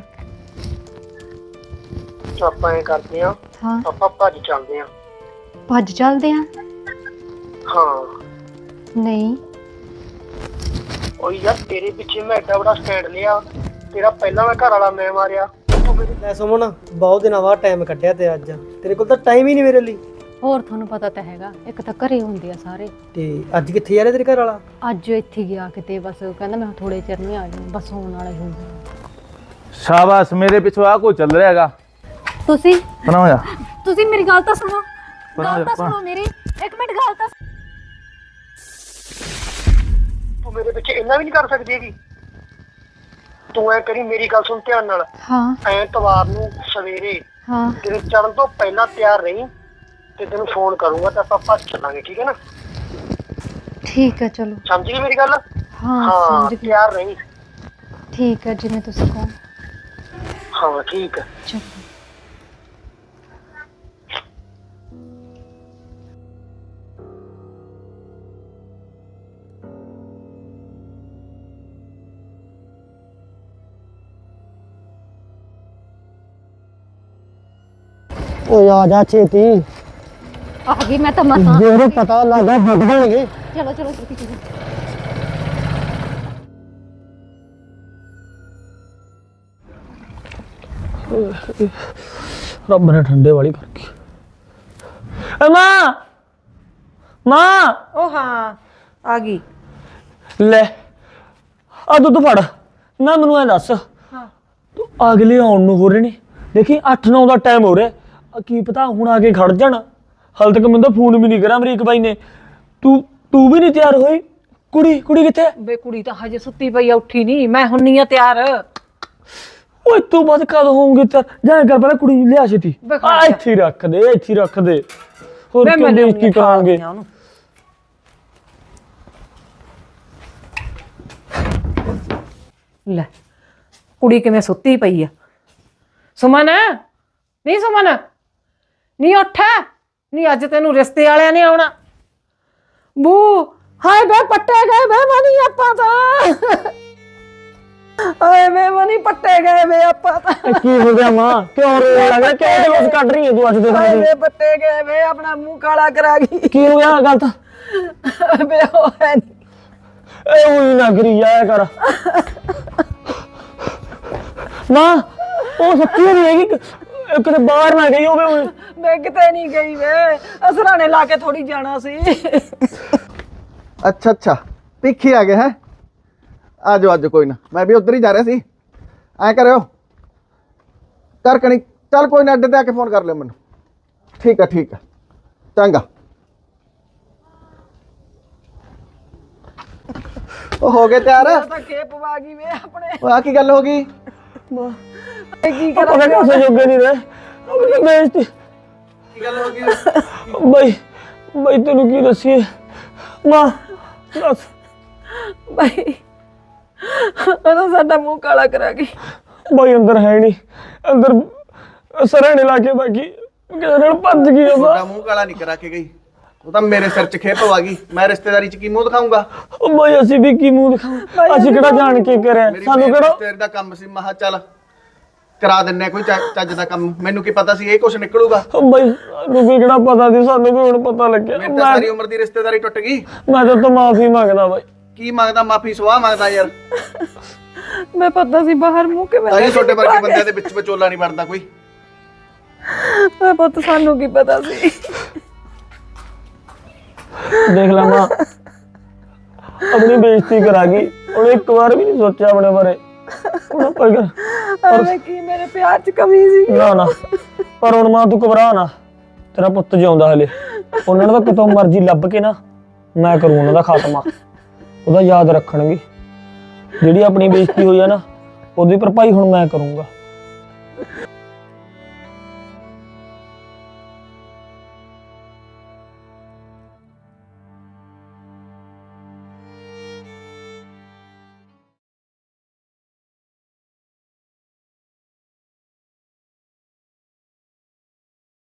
ਆਪਾਂ ਐ ਕਰਦੇ ਆ, ਹਾਂ, ਆਪਾਂ ਭੱਜ ਚੱਲਦੇ ਆ। ਭੱਜ ਚੱਲਦੇ ਆ? ਹਾਂ ਨਹੀਂ, ਓ ਯਾਰ ਤੇਰੇ ਪਿੱਛੇ ਮੈਂ ਐਡਾ ਵੱਡਾ ਸਟੈਂਡ ਲਿਆ, ਤੇਰਾ ਪਹਿਲਾਂ ਮੈਂ ਘਰ ਵਾਲਾ ਮੈਂ ਮਾਰਿਆ। ਤੂੰ ਮੇਰੇ ਲੈ ਸੁਮਨ, ਬਹੁਤ ਦਿਨਾਂ ਬਾਅਦ ਟਾਈਮ ਕੱਢਿਆ ਤੇ ਅੱਜ ਤੇਰੇ ਕੋਲ ਤਾਂ ਟਾਈਮ ਹੀ ਨਹੀਂ ਮੇਰੇ ਲਈ। ਹੋਰ ਤੁਹਾਨੂੰ ਪਤਾ ਤਾਂ ਹੈਗਾ, ਇੱਕ ਤਾਂ ਘਰੇ ਹੁੰਦੇ ਆ ਸਾਰੇ। ਤੇ ਅੱਜ ਕਿੱਥੇ ਜਾ ਰਿਹਾ ਤੇਰੇ ਘਰ ਵਾਲਾ? ਅੱਜ ਇੱਥੇ ਗਿਆ ਕਿਤੇ, ਬਸ ਕਹਿੰਦਾ ਮੈਂ ਥੋੜੇ ਚਿਰ ਨਹੀਂ ਆ ਜਾਊਂ, ਬਸ ਹੋਣ ਵਾਲਾ ਹੀ ਹੋਊਗਾ। ਸ਼ਾਬਾਸ਼, ਮੇਰੇ ਪਿੱਛੋਂ ਆ ਕੋਈ ਚੱਲ ਰਿਹਾ ਹੈਗਾ। ਤੁਸੀਂ ਬਣਾ ਹੋਇਆ ਤੁਸੀਂ ਮੇਰੀ ਗੱਲ ਤਾਂ ਸੁਣੋ, ਬਣਾ ਗੱਲ ਤਾਂ ਜਾ ਸੁਣੋ ਮੇਰੀ, ਇੱਕ ਮਿੰਟ ਗੱਲ ਤਾਂ। ਤੂੰ ਮੇਰੇ ਪਿੱਛੇ ਇੰਨਾ ਵੀ ਨਹੀਂ ਕਰ ਸਕਦੀ ਹੈਗੀ। ਤੂੰ ਐ ਕਰੀ, ਮੇਰੀ ਗੱਲ ਸੁਣ ਧਿਆਨ ਨਾਲ। ਹਾਂ ਐਤਵਾਰ ਨੂੰ ਸਵੇਰੇ ਹਾਂ ਤੇਰੇ ਚੜਨ ਤੋਂ ਪਹਿਲਾਂ ਤਿਆਰ ਰਹੀ, ਤੇ ਤੈਨੂੰ ਫੋਨ ਕਰੂੰਗਾ ਤਾਂ ਆਪਾਂ ਭੱਜ ਚੱਲਾਂਗੇ, ਠੀਕ ਹੈ ਨਾ? ਠੀਕ ਹੈ, ਚਲੋ। ਸਮਝ ਗਈ ਮੇਰੀ ਗੱਲ? ਹਾਂ ਹਾਂ ਸਮਝ ਗਈ। ਤਿਆਰ ਰਹੀ। ਠੀਕ ਹੈ, ਜਿਵੇਂ ਤੁਸੀਂ ਕਹੋ। ਹਾਂ ਠੀਕ ਹੈ। ਚਲੋ। ਓਏ ਆ ਜਾ ਛੇਤੀ, ਆ ਗਈ ਮੈਂ ਤਾਂ ਮਸਾਂ। ਜੇ ਪਤਾ ਲੱਗਾ ਭੱਜ ਜਾਣਗੇ। ਚਲੋ ਚਲੋ ਛੇਤੀ ਚਲੋ। ਰੱਬ ਨੇ ਠੰਡੇ ਵਾਲੀ ਕਰਕੇ। ਏ ਮਾਂ, ਮਾਂ ਉਹ ਹਾਂ ਆ ਗਈ। ਲੈ ਆ ਦੁੱਧ ਫੜ। ਨਾ ਮੈਨੂੰ ਐ ਦੱਸ, ਹਾਂ ਤੂੰ ਅਗਲੇ ਆਉਣ ਨੂੰ ਹੋ ਰਹੇ ਨੇ, ਦੇਖੀ ਅੱਠ ਨੌ ਦਾ ਟਾਈਮ ਹੋ ਰਿਹਾ, ਆ ਕੀ ਪਤਾ ਹੁਣ ਆ ਕੇ ਖੜ ਜਾਣ। ਹਾਲੇ ਤੱਕ ਮੈਨੂੰ ਤਾਂ ਫੋਨ ਵੀ ਨਹੀਂ ਕਰਿਆ ਅਮਰੀਕ ਬਾਈ ਨੇ। ਤੂੰ ਤੂੰ ਵੀ ਨਹੀਂ ਤਿਆਰ ਹੋਈ? ਕੁੜੀ ਕੁੜੀ ਕਿੱਥੇ? ਬੇ ਕੁੜੀ ਤਾਂ ਹਜੇ ਸੁੱਤੀ ਪਈ ਆ, ਉੱਠੀ ਨਹੀਂ। ਮੈਂ ਹੁੰਨੀ ਆ ਤਿਆਰ। ਓਏ ਤੂੰ ਬਾਅਦ ਕਦ ਹੋਊਂਗੀ ਤਿਆਰ? ਜਾ ਕਰ ਪਹਿਲਾਂ ਕੁੜੀ ਨੂੰ ਲਿਆ ਛੇਤੀ। ਬੇ ਖੜ ਆ ਜਾ। ਇੱਥੇ ਹੀ ਰੱਖ ਦੇ, ਇੱਥੇ ਹੀ ਰੱਖ ਦੇ। ਹੋਰ ਬੇ ਮੈਂ ਕਿਉਂ ਬੇਇੱਜ਼ਤੀ ਕਰਾਂਗੇ? ਉਹਨੂੰ ਲੈ ਕੁੜੀ ਕਿਵੇਂ ਸੁੱਤੀ ਪਈ ਆ। ਸੁਮਨ ਨਹੀਂ, ਸੁਮਨ ਨਹੀਂ ਉੱਠ ਨਹੀਂ, ਅੱਜ ਤੈਨੂੰ ਰਿਸ਼ਤੇ ਵਾਲਿਆਂ ਨੇ ਆਉਣਾ। ਬੂ ਹਾਏ ਬੇ ਪੱਟੇ ਗਏ ਬੇ ਮਨੀ ਆਪਾਂ ਤਾਂ। ਹਾਏ ਬੇ ਮਨੀ ਪੱਟੇ ਗਏ ਬੇ ਆਪਾਂ ਤਾਂ। ਇਹ ਕੀ ਹੋ ਗਿਆ ਮਾਂ? ਕਿਉਂ ਰੋਣ ਲੱਗਾ? ਕਿਉਂ ਜਲੂਸ ਕੱਢ ਰਹੀ ਹੈ ਤੂੰ ਅੱਜ ਦੇ ਹਾਏ ਦਿਨ? ਬੇ ਪੱਟੇ ਗਏ ਬੇ, ਆਪਣਾ ਮੂੰਹ ਕਾਲਾ ਕਰਾ ਗਈ ਕੀ ਹੋ ਗਿਆ ਗੱਲ ਤਾਂ? ਬੇ ਉਹ ਹੈ ਨੀ। ਏ ਉਹੀ ਨਾ ਕਰੀ ਜਾਇਆ ਕਰ ਮਾਂ। ਉਹ ਸੱਚੀ ਨਹੀਂ ਹੈਗੀ, ਕਿਤੇ ਬਾਹਰ ਨਾ ਗਈ ਹੋਵੇ। ਉਹ ਮੈਂ ਕਿਤੇ ਨਹੀਂ ਗਈ ਵੇ, ਅਸਰਾਣੇ ਲਾ ਕੇ ਥੋੜੀ ਜਾਣਾ ਸੀ। ਅੱਛਾ ਅੱਛਾ, ਪਿੱਖੇ ਆ ਗਏ ਹੈ। ਆ ਜਾਓ, ਅੱਜ ਕੋਈ ਨਾ, ਮੈਂ ਵੀ ਉਧਰ ਹੀ ਜਾ ਰਿਹਾ ਸੀ। ਐ ਕਰਿਓ ਕਰ ਕਣੀ, ਚੱਲ ਕੋਈ ਨਾ, ਅੱਡੇ ਤੇ ਆ ਕੇ ਫੋਨ ਕਰ ਲਿਓ ਮੈਨੂੰ। ਠੀਕ ਆ ਠੀਕ ਆ, ਚੰਗਾ। ਉਹ ਹੋ ਗਏ ਤਿਆਰ? ਮੈਂ ਤਾਂ ਖੇਪ ਵਾ ਗਈ ਵੇ ਆਪਣੇ। ਉਹ ਆ ਕੀ ਗੱਲ ਹੋ ਗਈ? ਇਹ ਕੀ ਪਤਾ ਕਰਾਂ ਕਿਸੇ ਜੋਗੇ ਨਹੀਂ ਰਹੇ। ਆਪਣੀ ਬੇਇੱਜ਼ਤੀ। ਕੀ ਗੱਲ ਹੋ ਗਈ? ਬਈ ਬਈ ਤੈਨੂੰ ਕੀ ਦੱਸੀਏ ਮਾਂ, ਦੱਸ। ਭਾਈ ਉਹਦਾ ਸਾਡਾ ਮੂੰਹ ਕਾਲਾ ਕਰਾ ਗਈ। ਬਈ ਅੰਦਰ ਹੈ ਨਹੀਂ, ਅੰਦਰ ਸਰਾਣੇ ਲਾ ਕੇ ਬਾਕੀ ਕਿਸੇ ਨਾਲ ਭੱਜ ਗਈ ਉਹ। ਤੁਹਾਡਾ ਮੂੰਹ ਕਾਲਾ ਨਹੀਂ ਕਰਾ ਕੇ ਗਈ, ਉਹ ਤਾਂ ਮੇਰੇ ਸਿਰ 'ਚ ਖੇਪ ਆ ਗਈ। ਮੈਂ ਰਿਸ਼ਤੇਦਾਰੀ 'ਚ ਕੀ ਮੂੰਹ ਦਿਖਾਊਂਗਾ? ਉਹ ਬਈ ਅਸੀਂ ਵੀ ਕੀ ਮੂੰਹ ਦਿਖਾਵਾਂ? ਅਸੀਂ ਕਿਹੜਾ ਜਾਣ ਕੇ ਕਰਿਆ? ਮੇਰੀ ਸਾਨੂੰ ਕਿਹੜਾ ਰਿਸ਼ਤੇਦਾਰੀ ਦਾ ਕੰਮ ਸੀ। ਮਹਾ ਚੱਲ ਕਰਾ ਦਿੰਨੇ ਕੋਈ ਚੱਜ ਚੱਜ ਦਾ ਕੰਮ। ਮੈਨੂੰ ਕੀ ਪਤਾ ਸੀ ਇਹ ਕੁਛ ਨਿਕਲੂਗਾ? ਉਹ ਬਈ ਸਾਨੂੰ ਵੀ ਕਿਹੜਾ ਪਤਾ ਸੀ? ਸਾਨੂੰ ਵੀ ਹੁਣ ਪਤਾ ਲੱਗਿਆ। ਮੇਰੀ ਤਾਂ ਸਾਰੀ ਉਮਰ ਦੀ ਰਿਸ਼ਤੇਦਾਰੀ ਟੁੱਟ ਗਈ। ਮੈਂ ਤਾਂ ਤਾਂ ਮਾਫੀ ਮੰਗਦਾ ਬਾਈ। ਕੀ ਮੰਗਦਾ? ਮਾਫੀ ਸਵਾਹ ਮੰਗਦਾ ਯਾਰ। ਮੈਂ ਪਤਾ ਸੀ ਬਾਹਰ ਮੂੰਹ ਕਿਵੇਂ ਤਾਂ ਹੀ ਛੋਟੇ ਵਰਗੇ ਬੰਦਿਆਂ ਦੇ ਵਿੱਚ ਵਿਚੋਲਾ ਨਹੀਂ ਬਣਦਾ ਕੋਈ। ਮੈਂ ਪੁੱਤ ਸਾਨੂੰ ਕੀ ਪਤਾ ਸੀ। ਦੇਖ ਲਾ ਮਾਂ, ਆਪਣੀ ਬੇਇੱਜ਼ਤੀ ਕਰਾ ਗਈ। ਉਹਨੇ ਇੱਕ ਵਾਰ ਵੀ ਨਹੀਂ ਸੋਚਿਆ ਆਪਣੇ ਬਾਰੇ। ਹੁਣ ਪਰ ਅਰੇ ਕੀ ਮੇਰੇ ਪਿਆਰ 'ਚ ਕਮੀ ਸੀ? ਨਾ ਨਾ, ਪਰ ਹੁਣ ਮਾਂ ਤੂੰ ਘਬਰਾ ਨਾ, ਤੇਰਾ ਪੁੱਤ ਜਿਉਂਦਾ ਹਲੇ। ਉਹਨਾਂ ਨੂੰ ਤਾਂ ਕਿਤੋਂ ਮਰਜ਼ੀ ਲੱਭ ਕੇ ਨਾ ਮੈਂ ਕਰੂੰ ਉਹਨਾਂ ਦਾ ਖਾਤਮਾ। ਉਹਦਾ ਯਾਦ ਰੱਖਣਗੇ। ਜਿਹੜੀ ਆਪਣੀ ਬੇਇੱਜ਼ਤੀ ਹੋਈ ਆ ਨਾ, ਉਹਦੀ ਭਰਪਾਈ ਹੁਣ ਮੈਂ ਕਰੂੰਗਾ।